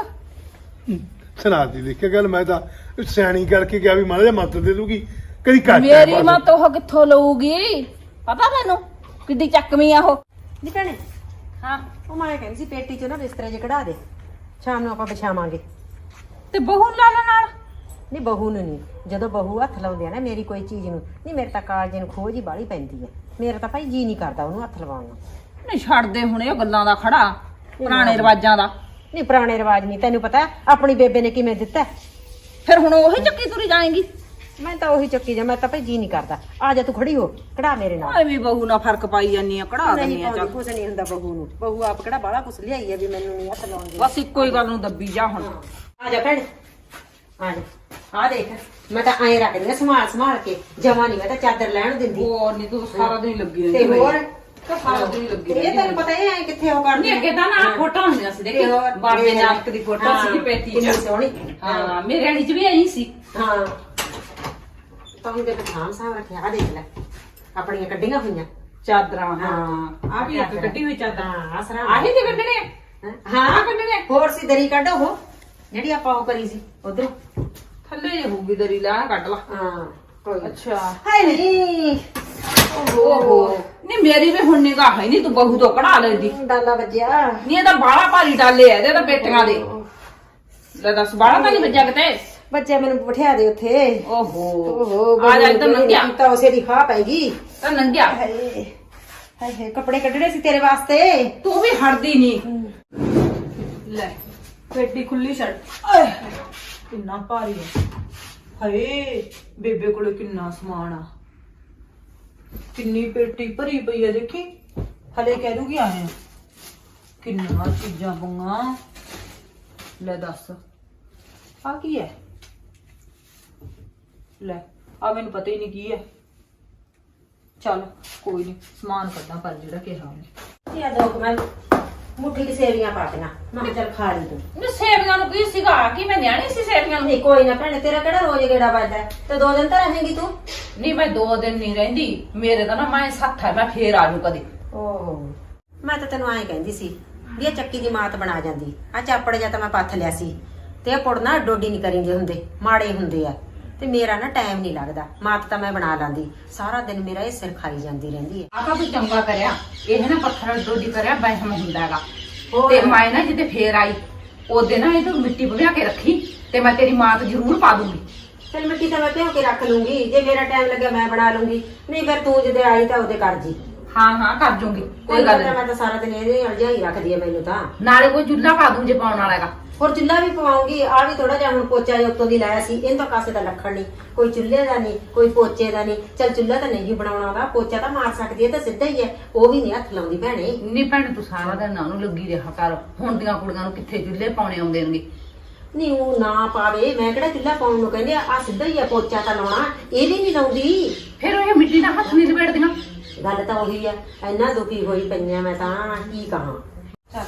ਸੁਣਾ ਦੀ ਦੇਖਿਆ ਗੱਲ, ਮੈਂ ਤਾਂ ਸਿਆਣੀ ਕਰਕੇ ਗਿਆ ਵੀ ਮਾੜਾ ਜਿਹਾ ਮੱਤ ਦੇ ਦੂਗੀ, ਕਦੀ ਘੱਟ ਮੇਰੀ ਮੱਤ ਉਹ ਕਿੱਥੋਂ ਲਊਗੀ, ਪਤਾ ਮੈਨੂੰ ਕਿੱਡੀ ਚੱਕਵੀਂ ਆ ਉਹ। ਨੀ ਭੈਣੇ ਹਾਂ ਉਹ ਮੈਂ ਕਹਿੰਦੀ ਸੀ ਪੇਟੀ 'ਚੋਂ ਨਾ ਬਿਸਤਰੇ ਜੇ ਕਢਾ ਦੇ, ਸ਼ਾਮ ਨੂੰ ਆਪਾਂ ਵਿਛਾਵਾਂਗੇ। ਤੇ ਬਹੂ ਲਾ ਲੈ ਨਾਲ। ਨਹੀਂ ਬਹੂ ਨੂੰ ਨਹੀਂ, ਜਦੋਂ ਬਹੂ ਹੱਥ ਲਾਉਂਦੇ ਆ ਨਾ ਮੇਰੀ ਕੋਈ ਚੀਜ਼ ਨੂੰ, ਨਹੀਂ ਮੇਰੇ ਤਾਂ ਕਾਲਜੇ ਨੂੰ ਖੋਜ ਹੀ ਬਾਹਲੀ ਪੈਂਦੀ ਹੈ। ਮੇਰਾ ਤਾਂ ਭਾਈ ਜੀ ਨਹੀਂ ਕਰਦਾ ਉਹਨੂੰ ਹੱਥ ਲਵਾਉਣ ਨੂੰ। ਨਹੀਂ ਛੱਡਦੇ ਹੁਣ ਇਹ ਗੱਲਾਂ ਦਾ ਖੜਾ, ਪੁਰਾਣੇ ਰਿਵਾਜਾਂ ਦਾ। ਨਹੀਂ ਪੁਰਾਣੇ ਰਿਵਾਜ ਨਹੀਂ, ਤੈਨੂੰ ਪਤਾ ਆਪਣੀ ਬੇਬੇ ਨੇ ਕਿਵੇਂ ਦਿੱਤਾ। ਫਿਰ ਹੁਣ ਉਹੀ ਚੱਕੀ ਤੁਰੀ ਜਾਏਗੀ। ਮੈਂ ਤਾਂ ਉਹੀ ਚੱਕੀ ਜਾ, ਮੈਂ ਤਾਂ ਭਾਈ ਜੀ ਨਹੀਂ ਕਰਦਾ। ਆ ਜਾ ਤੂੰ ਖੜੀ ਹੋ, ਕਢਾ ਮੇਰੇ ਨਾਲ। ਐਵੇਂ ਬਹੂ ਨਾਲ ਫਰਕ ਪਾਈ ਜਾਂਦੀ ਆ, ਕਢਾ ਨਹੀਂ ਦਿੰਦੀ ਆ ਚੱਲ। ਕੁਛ ਨਹੀਂ ਹੁੰਦਾ ਬਹੂ ਨੂੰ, ਬਹੂ ਆਪ ਕਿਹੜਾ ਬਾਹਲਾ ਕੁਛ ਲਿਆਈ ਹੈ ਵੀ ਮੈਨੂੰ ਨਹੀਂ ਹੱਥ ਲਾਉਣ ਦੀ। ਬਸ ਇੱਕੋ ਹੀ ਗੱਲ ਨੂੰ ਦੱਬੀ ਜਾ ਹੁਣ। ਆ ਜਾ ਭੈਣ ਆ ਜਾ ਆ ਦੇਖ ਮੈਂ ਤਾਂ ਐਂ ਰੱਖਦੀ ਆ ਸੰਭਾਲ ਸੰਭਾਲ ਕੇ ਜਮਾ ਨਹੀਂ ਮੈਂ ਤਾਂ ਚਾਦਰ ਲੈਣ ਦਿੰਦੀ ਹੋਰ ਨਹੀਂ ਤੂੰ ਸਾਰਾ ਦਿਨ ਲੱਗੀ ਤੇ ਹੋਰ ਤਾਂ ਸਾਰਾ ਦਿਨ ਲੱਗੀ ਇਹ ਤੈਨੂੰ ਪਤਾ ਇਹ ਐ ਕਿੱਥੇ ਉਹ ਕਰਦੀ ਨਹੀਂ ਅੱਗੇ ਤਾਂ ਨਾ ਫੋਟੋ ਹੁੰਦੀਆਂ ਸੀ ਦੇਖੀ ਬਾਬੇ ਨਾਨਕ ਦੀ ਫੋਟੋ ਸੀ ਪੇਟੀ ਕਿੰਨੀ ਚ ਸੋਹਣੀ ਹਾਂ ਮੇਰੇ ਵਾਲੀ ਚ ਵੀ ਆਈ ਸੀ ਹਾਂ ਤਾਂ ਉਹਦੇ ਪਠਾਨ ਸਾਹਿਬ ਰੱਖਿਆ ਆ ਦੇਖ ਲੈ ਆਪਣੀਆਂ ਕੱਢੀਆਂ ਹੋਈਆਂ ਚਾਦਰਾਂ ਹਾਂ। ਆ ਵੀ ਇੱਕ ਕੱਢੀ ਹੋਈ ਚਾਦਰ ਹਾਂ ਆਸਰਾ ਆਹੀ ਤੇ ਕੱਢਣੇ ਆ? ਹਾਂ ਕੱਢਣੇ ਹੋਰ ਸੀ ਦਰੀ ਕੱਢ ਉਹ ਜਿਹੜੀ ਆਪਾਂ ਉਹ ਕਰੀ ਸੀ ਉਧਰ ਥੱਲੇ ਜੇ ਹੋਊਗੀ ਦਰੀ ਲਾ ਕੱਢ ਲਾ ਹਾਂ ਕੋਈ ਅੱਛਾ ਹਾਏ ਨਹੀਂ ਓਹੋ ਨਹੀਂ ਮੇਰੀ ਵੀ ਹੁਣ ਨਿਗਾਹ ਹੈ ਨਹੀਂ ਤੂੰ ਬਹੂ ਤੋਂ ਕਢਾ ਲੈਂਦੀ ਡਾਲਾ ਵੱਜਿਆ ਨਹੀਂ ਇਹ ਤਾਂ ਬਾਲਾ ਭਾਰੀ ਡਾਲੇ ਆ ਇਹਦੇ ਤਾਂ ਬੇਟੀਆਂ ਦੇ ਲੈ ਦੱਸ ਬਾਲਾ ਤਾਂ ਨਹੀਂ ਵੱਜਿਆ ਕਿਤੇ ਬੱਚੇ ਮੈਨੂੰ ਬਿਠਾ ਦੇ ਉੱਥੇ ਓਹੋ ਆ ਜਾ ਇੱਧਰ ਨੰਗਿਆ ਤਾਂ ਉਸੇ ਦੀ ਖਾ ਪੈਗੀ ਤਾਂ ਨੰਗਿਆ ਹਾਏ ਹਾਏ ਕੱਪੜੇ ਕੱਢਣੇ ਸੀ ਤੇਰੇ ਵਾਸਤੇ ਤੂੰ ਵੀ ਹਟਦੀ ਨਹੀਂ ਲੈ ਪੇਟੀ ਖੁੱਲੀ ਛੱਡ ਆਏ ਕਿੰਨਾ ਭਾਰੀ ਹੈ ਹਾਏ ਬੇਬੇ ਕੋਲੇ ਕਿੰਨਾ ਸਮਾਨ ਆ ਕਿੰਨੀ ਪੇਟੀ ਭਰੀ ਪਈ ਹੈ ਦੇਖੀ ਹਲੇ ਕਹਿ ਦੂਗੀ ਆਏ ਕਿੰਨਾ ਚੀਜ਼ਾਂ ਪਈਆਂ ਲੈ ਦੱਸ ਆ ਕੀ ਹੈ ਲੈ ਆ ਮੈਨੂੰ ਪਤਾ ਹੀ ਨਹੀਂ ਕੀ ਹੈ ਚੱਲ ਕੋਈ ਨਹੀਂ ਸਮਾਨ ਕੱਢਾਂ ਪਰ ਜਿਹੜਾ ਕਿਹਾ ਉਹਨੇ ਇਹ ਦੋ ਮੈਂ ਮੁੱਠੀ ਦੀ ਸੇਵੀਆਂ ਪਾਤੀਆਂ ਮੈਂ ਕਿਹਾ ਚੱਲ ਖਾ ਲਈ ਤੂੰ ਮੈਂ ਸੇਵੀਆਂ ਨੂੰ ਕੀ ਸੀਗਾ ਕਿ ਮੈਂ ਨਿਆਣੀ ਸੀ ਸੇਵੀਆਂ ਨੂੰ ਨਹੀਂ ਕੋਈ ਨਾ ਭੈਣੇ ਤੇਰਾ ਕਿਹੜਾ ਰੋਜ਼ ਗੇੜਾ ਵੱਜਦਾ ਤੇ 2 ਦਿਨ ਤਾਂ ਰਹੇਂਗੀ ਤੂੰ ਨਹੀਂ ਮੈਂ 2 ਦਿਨ ਨਹੀਂ ਰਹਿੰਦੀ ਮੇਰੇ ਤਾਂ ਨਾ ਮੈਂ ਸੱਤ ਹੈ ਮੈਂ ਫੇਰ ਆ ਜੂ ਕਦੇ ਓਹ ਮੈਂ ਤਾਂ ਤੈਨੂੰ ਐਂ ਕਹਿੰਦੀ ਸੀ ਵੀ ਇਹ ਚੱਕੀ ਦੀ ਮਾਤ ਬਣਾ ਜਾਂਦੀ ਆ ਚਾਪੜ ਜਾਂ ਤਾਂ ਮੈਂ ਪੱਥ ਲਿਆ ਸੀ ਤੇ ਇਹ ਪੁੜਨਾ ਡੋਡੀ ਨਹੀਂ ਕਰੀਂਦੇ ਹੁੰਦੇ ਮਾੜੇ ਹੁੰਦੇ ਆ ਤੇ ਮੇਰਾ ਨਾ ਟਾਈਮ ਨਹੀਂ ਲੱਗਦਾ ਮਾਤ ਤਾਂ ਮੈਂ ਬਣਾ ਲਾਂਦੀ ਸਾਰਾ ਦਿਨ ਮੇਰਾ ਇਹ ਸਿਰ ਖਾਈ ਜਾਂਦੀ ਰਹਿੰਦੀ ਹੈ ਆ ਤਾਂ ਵੀ ਚੰਗਾ ਕਰਿਆ ਇਹ ਨਾ ਪੱਥਰ ਡੋਡੀ ਕਰਿਆ ਬਹਿਮ ਹੁੰਦਾਗਾ ਤੇ ਮੈਂ ਨਾ ਜਿੱਦੇ ਫੇਰ ਆਈ ਉਹਦੇ ਨਾ ਇਹ ਤੂੰ ਮਿੱਟੀ ਭਿਆ ਕੇ ਰੱਖੀ ਤੇ ਮੈਂ ਤੇਰੀ ਮਾਂ ਤੇ ਜ਼ਰੂਰ ਪਾ ਦੂੰਗੀ ਚਲ ਮਿੱਟੀ ਤਾਂ ਮੈਂ ਭਿਓ ਕੇ ਰੱਖ ਲੂੰਗੀ ਜੇ ਮੇਰਾ ਟਾਈਮ ਲੱਗਿਆ ਮੈਂ ਬਣਾ ਲੂੰਗੀ ਨਹੀਂ ਫਿਰ ਤੂੰ ਜਿਹਦੇ ਆਈ ਤਾਂ ਉਹਦੇ ਕਰ ਜੀ ਹਾਂ ਹਾਂ ਕਰ ਜੂੰਗੀ ਕੋਈ ਗੱਲ ਮੈਂ ਨਹੀਂ ਤਾਂ ਸਾਰਾ ਦਿਨ ਇਹਦੇ ਅਲਝਾਈ ਰੱਖਦੀ ਆ ਮੈਨੂੰ ਤਾਂ ਨਾਲੇ ਕੋਈ ਚੁੱਲ੍ਹਾ ਪਾ ਦੂੰ ਜੇ ਪਾਉਣ ਵਾਲਾ ਹੈਗਾ ਹੋਰ ਚੁੱਲ੍ਹਾ ਵੀ ਪਵਾਉਂਗੀ ਆ ਵੀ ਥੋੜਾ ਜਿਹਾ ਹੁਣ ਪੋਚਾ ਜਿਹਾ ਉੱਤੋਂ ਦੀ ਲਾਇਆ ਸੀ ਇਹਨੂੰ ਤਾਂ ਕਾਸੇ ਦਾ ਲੱਖਣ ਨਹੀਂ ਕੋਈ ਚੁੱਲ੍ਹੇ ਦਾ ਨਹੀਂ ਕੋਈ ਪੋਚੇ ਦਾ ਨਹੀਂ ਚਲ ਚੁੱਲ੍ਹਾ ਤਾਂ ਨਹੀਂ ਬਣਾਉਣਾ ਉਹਦਾ ਪੋਚਾ ਤਾਂ ਮਾਰ ਸਕਦੀ ਹੈ ਤਾਂ ਸਿੱਧਾ ਹੀ ਹੈ ਉਹ ਵੀ ਨਹੀਂ ਹੱਥ ਲਾਉਂਦੀ ਭੈਣੇ ਨਹੀਂ ਭੈਣ ਤੂੰ ਸਾਰਾ ਦਿਨ ਨਾ ਉਹਨੂੰ ਲੱਗੀ ਰਿਹਾ ਕਰ ਹੁਣ ਦੀਆਂ ਕੁੜੀਆਂ ਨੂੰ ਕਿੱਥੇ ਚੁੱਲ੍ਹੇ ਪਾਉਣੇ ਆਉਂਦੇ ਨੇ ਨਹੀਂ ਉਹ ਨਾ ਪਾਵੇ ਮੈਂ ਕਿਹੜਾ ਚੁੱਲ੍ਹਾ ਪਾਉਣ ਨੂੰ ਕਹਿੰਦੇ ਆ ਸਿੱਧਾ ਹੀ ਆ ਪੋਚਾ ਤਾਂ ਲਾਉਣਾ ਇਹ ਵੀ ਨਹੀਂ ਲਾਉਂਦੀ ਫਿਰ ਉਹ ਮਿੱਟੀ ਨਾਲ ਹੱਥ ਨਹੀਂ ਲਪੇਟਦੀਆਂ ਗੱਲ ਤਾਂ ਉਹੀ ਆ ਇੰਨਾ ਦੁਖੀ ਹੋਈ ਪਈਆਂ ਮੈਂ ਤਾਂ ਕੀ ਕਹਾਂ ਚੱਲ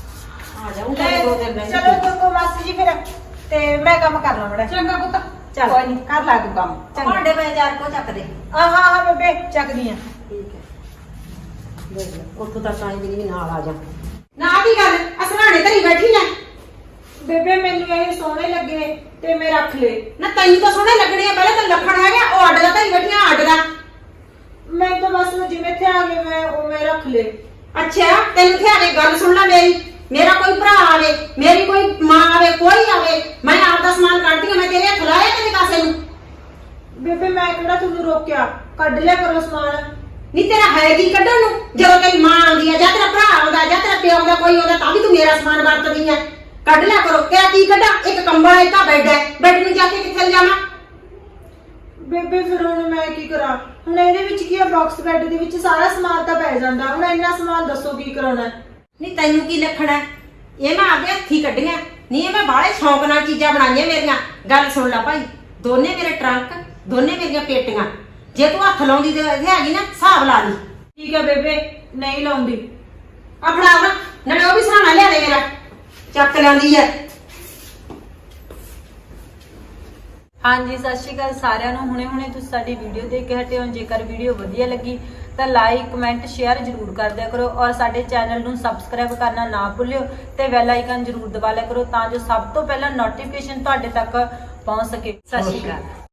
ਆ ਜਾਊਂਗਾ 2 ਦਿਨ ਰਹਿ ਚਲੋ ਕੋਕੋ ਮਾਸੀ ਜੀ ਫਿਰ ਤੇ ਮੈਂ ਕੰਮ ਕਰ ਲਾਂ ਬੜਾ ਚੰਗਾ ਪੁੱਤ ਚੱਲ ਕੋਈ ਨਹੀਂ ਕਰ ਲਾ ਤੂੰ ਕੰਮ ਭਾਂਡੇ ਪਏ 4 ਕੋ ਚੱਕ ਦੇ ਹਾਂ ਬੇਬੇ ਚੱਕਦੀ ਆ ਠੀਕ ਹੈ ਦੇਖ ਲੈ ਉੱਥੋਂ ਤੱਕ ਆਈ ਵੀ ਨਾਲ ਆ ਜਾ ਨਾ ਕੀ ਗੱਲ ਅਸਰਾਣੇ ਧਰੀ ਬੈਠੀ ਨਾ ਬੇਬੇ ਮੈਨੂੰ ਇਹ ਸੋਹਣੇ ਲੱਗੇ ਤੇ ਮੈਂ ਰੱਖ ਲਏ ਨਾ ਤੈਨੂੰ ਤਾਂ ਸੋਹਣੇ ਲੱਗਣੇ ਆ ਪਹਿਲਾਂ ਤਾਂ ਲੱਖਣ ਹੈਗਾ ਉਹ ਅੱਡ ਦਾ ਧਰੀ ਬੈਠੀਆਂ ਅੱਡ ਦਾ ਮੈਂ ਤਾਂ ਬਸ ਜਿਵੇਂ ਇੱਥੇ ਆ ਗਏ ਮੈਂ ਰੱਖ ਲਏ ਅੱਛਾ ਤੈਨੂੰ ਕਿਹਾ ਨੇ ਗੱਲ ਸੁਣ ਲੈ ਮੇਰਾ ਕੋਈ ਭਰਾ ਆਵੇ ਮੇਰੀ ਕੋਈ ਮਾਂ ਆਵੇ ਕੋਈ ਆਵੇ ਮੈਂ ਆਪ ਦਾ ਸਮਾਨ ਕੱਢਦੀ ਆ ਮੈਂ ਤੇਰੇ ਹੱਥ ਲਾਇਆ ਤੇਰੇ ਕਾਸੇ ਨੂੰ ਬੇਬੇ ਮੈਂ ਕਿਹੜਾ ਤੁਹਾਨੂੰ ਰੋਕਿਆ ਕੱਢ ਲਿਆ ਕਰੋ ਸਮਾਨ ਨਹੀਂ ਤੇਰਾ ਹੈ ਕੀ ਕੱਢਣ ਨੂੰ ਜਦੋਂ ਤੇਰੀ ਮਾਂ ਆਉਂਦੀ ਆ ਜਾਂ ਤੇਰਾ ਭਰਾ ਆਉਂਦਾ ਜਾਂ ਤੇਰਾ ਪਿਓ ਆਉਂਦਾ ਕੋਈ ਆਉਂਦਾ ਤਾਂ ਵੀ ਤੂੰ ਮੇਰਾ ਸਮਾਨ ਵਰਤਦੀ ਆ ਕੱਢ ਲਿਆ ਕਰੋ ਕਿਆ ਕੀ ਕੱਢਾਂ ਇੱਕ ਕੰਬਲ ਇੱਕ ਬੈੱਡ ਹੈ ਬੈੱਡ ਨੂੰ ਜਾ ਕੇ ਕਿੱਥੇ ਲਿਜਾਵਾਂ ਬੇਬੇ ਫਿਰ ਹੁਣ ਮੈਂ ਕੀ ਕਰਾਂ ਹੁਣ ਇਹਦੇ ਵਿੱਚ ਕੀ ਆ ਬਾਕਸ ਬੈੱਡ ਦੇ ਵਿੱਚ ਸਾਰਾ ਸਮਾਨ ਤਾਂ ਪੈ ਜਾਂਦਾ ਹੁਣ ਇੰਨਾ ਸਮਾਨ ਦੱਸੋ ਕੀ ਕਰਾਉਣਾ ਨਹੀਂ ਤੈਨੂੰ ਕੀ ਲੱਖਣਾ ਇਹ ਮੈਂ ਆਪਦੇ ਹੱਥੀ ਕੱਢੀਆਂ ਨਹੀਂ ਇਹ ਮੈਂ ਬਾਹਲੇ ਸ਼ੌਂਕ ਨਾਲ ਚੀਜ਼ਾਂ ਬਣਾਈਆਂ ਮੇਰੀਆਂ ਗੱਲ ਸੁਣ ਲੈ ਭਾਈ ਦੋਨੇ ਮੇਰੇ ਟਰੰਕ ਦੋਨੇ ਮੇਰੀਆਂ ਪੇਟੀਆਂ ਜੇ ਤੂੰ ਹੱਥ ਲਾਉਂਦੀ ਤੇ ਹੈਗੀ ਨਾ ਹਿਸਾਬ ਲਾ ਲਈ ਠੀਕ ਹੈ ਬੇਬੇ ਨਹੀਂ ਲਾਉਂਦੀ ਆ ਫੜਾ ਨਾ ਨਾਲੇ ਉਹ ਵੀ ਸਹਾਣਾ ਲਿਆ ਦੇ ਮੇਰਾ ਚੱਕ ਲੈਂਦੀ ਐ ਹਾਂਜੀ ਸਤਿ ਸ਼੍ਰੀ ਅਕਾਲ ਸਾਰਿਆਂ ਨੂੰ ਹੁਣੇ ਤੁਸੀਂ ਸਾਡੀ ਵੀਡੀਓ ਦੇਖ ਕੇ ਹਟੇ ਹੋ ਜੇਕਰ ਵੀਡੀਓ ਵਧੀਆ ਲੱਗੀ ਤਾਂ ਲਾਈਕ ਕਮੈਂਟ ਸ਼ੇਅਰ ਜ਼ਰੂਰ ਕਰ ਦਿਆ ਕਰੋ ਔਰ ਸਾਡੇ ਚੈਨਲ ਨੂੰ ਸਬਸਕ੍ਰਾਈਬ ਕਰਨਾ ਨਾ ਭੁੱਲਿਓ ਤੇ ਬੈਲ ਆਈਕਨ ਜ਼ਰੂਰ ਦਬਾ ਲਿਆ ਕਰੋ ਤਾਂ ਜੋ ਸਭ ਤੋਂ ਪਹਿਲਾਂ ਨੋਟੀਫਿਕੇਸ਼ਨ ਤੁਹਾਡੇ ਤੱਕ ਪਹੁੰਚ ਸਕੇ ਸਤਿ ਸ਼੍ਰੀ ਅਕਾਲ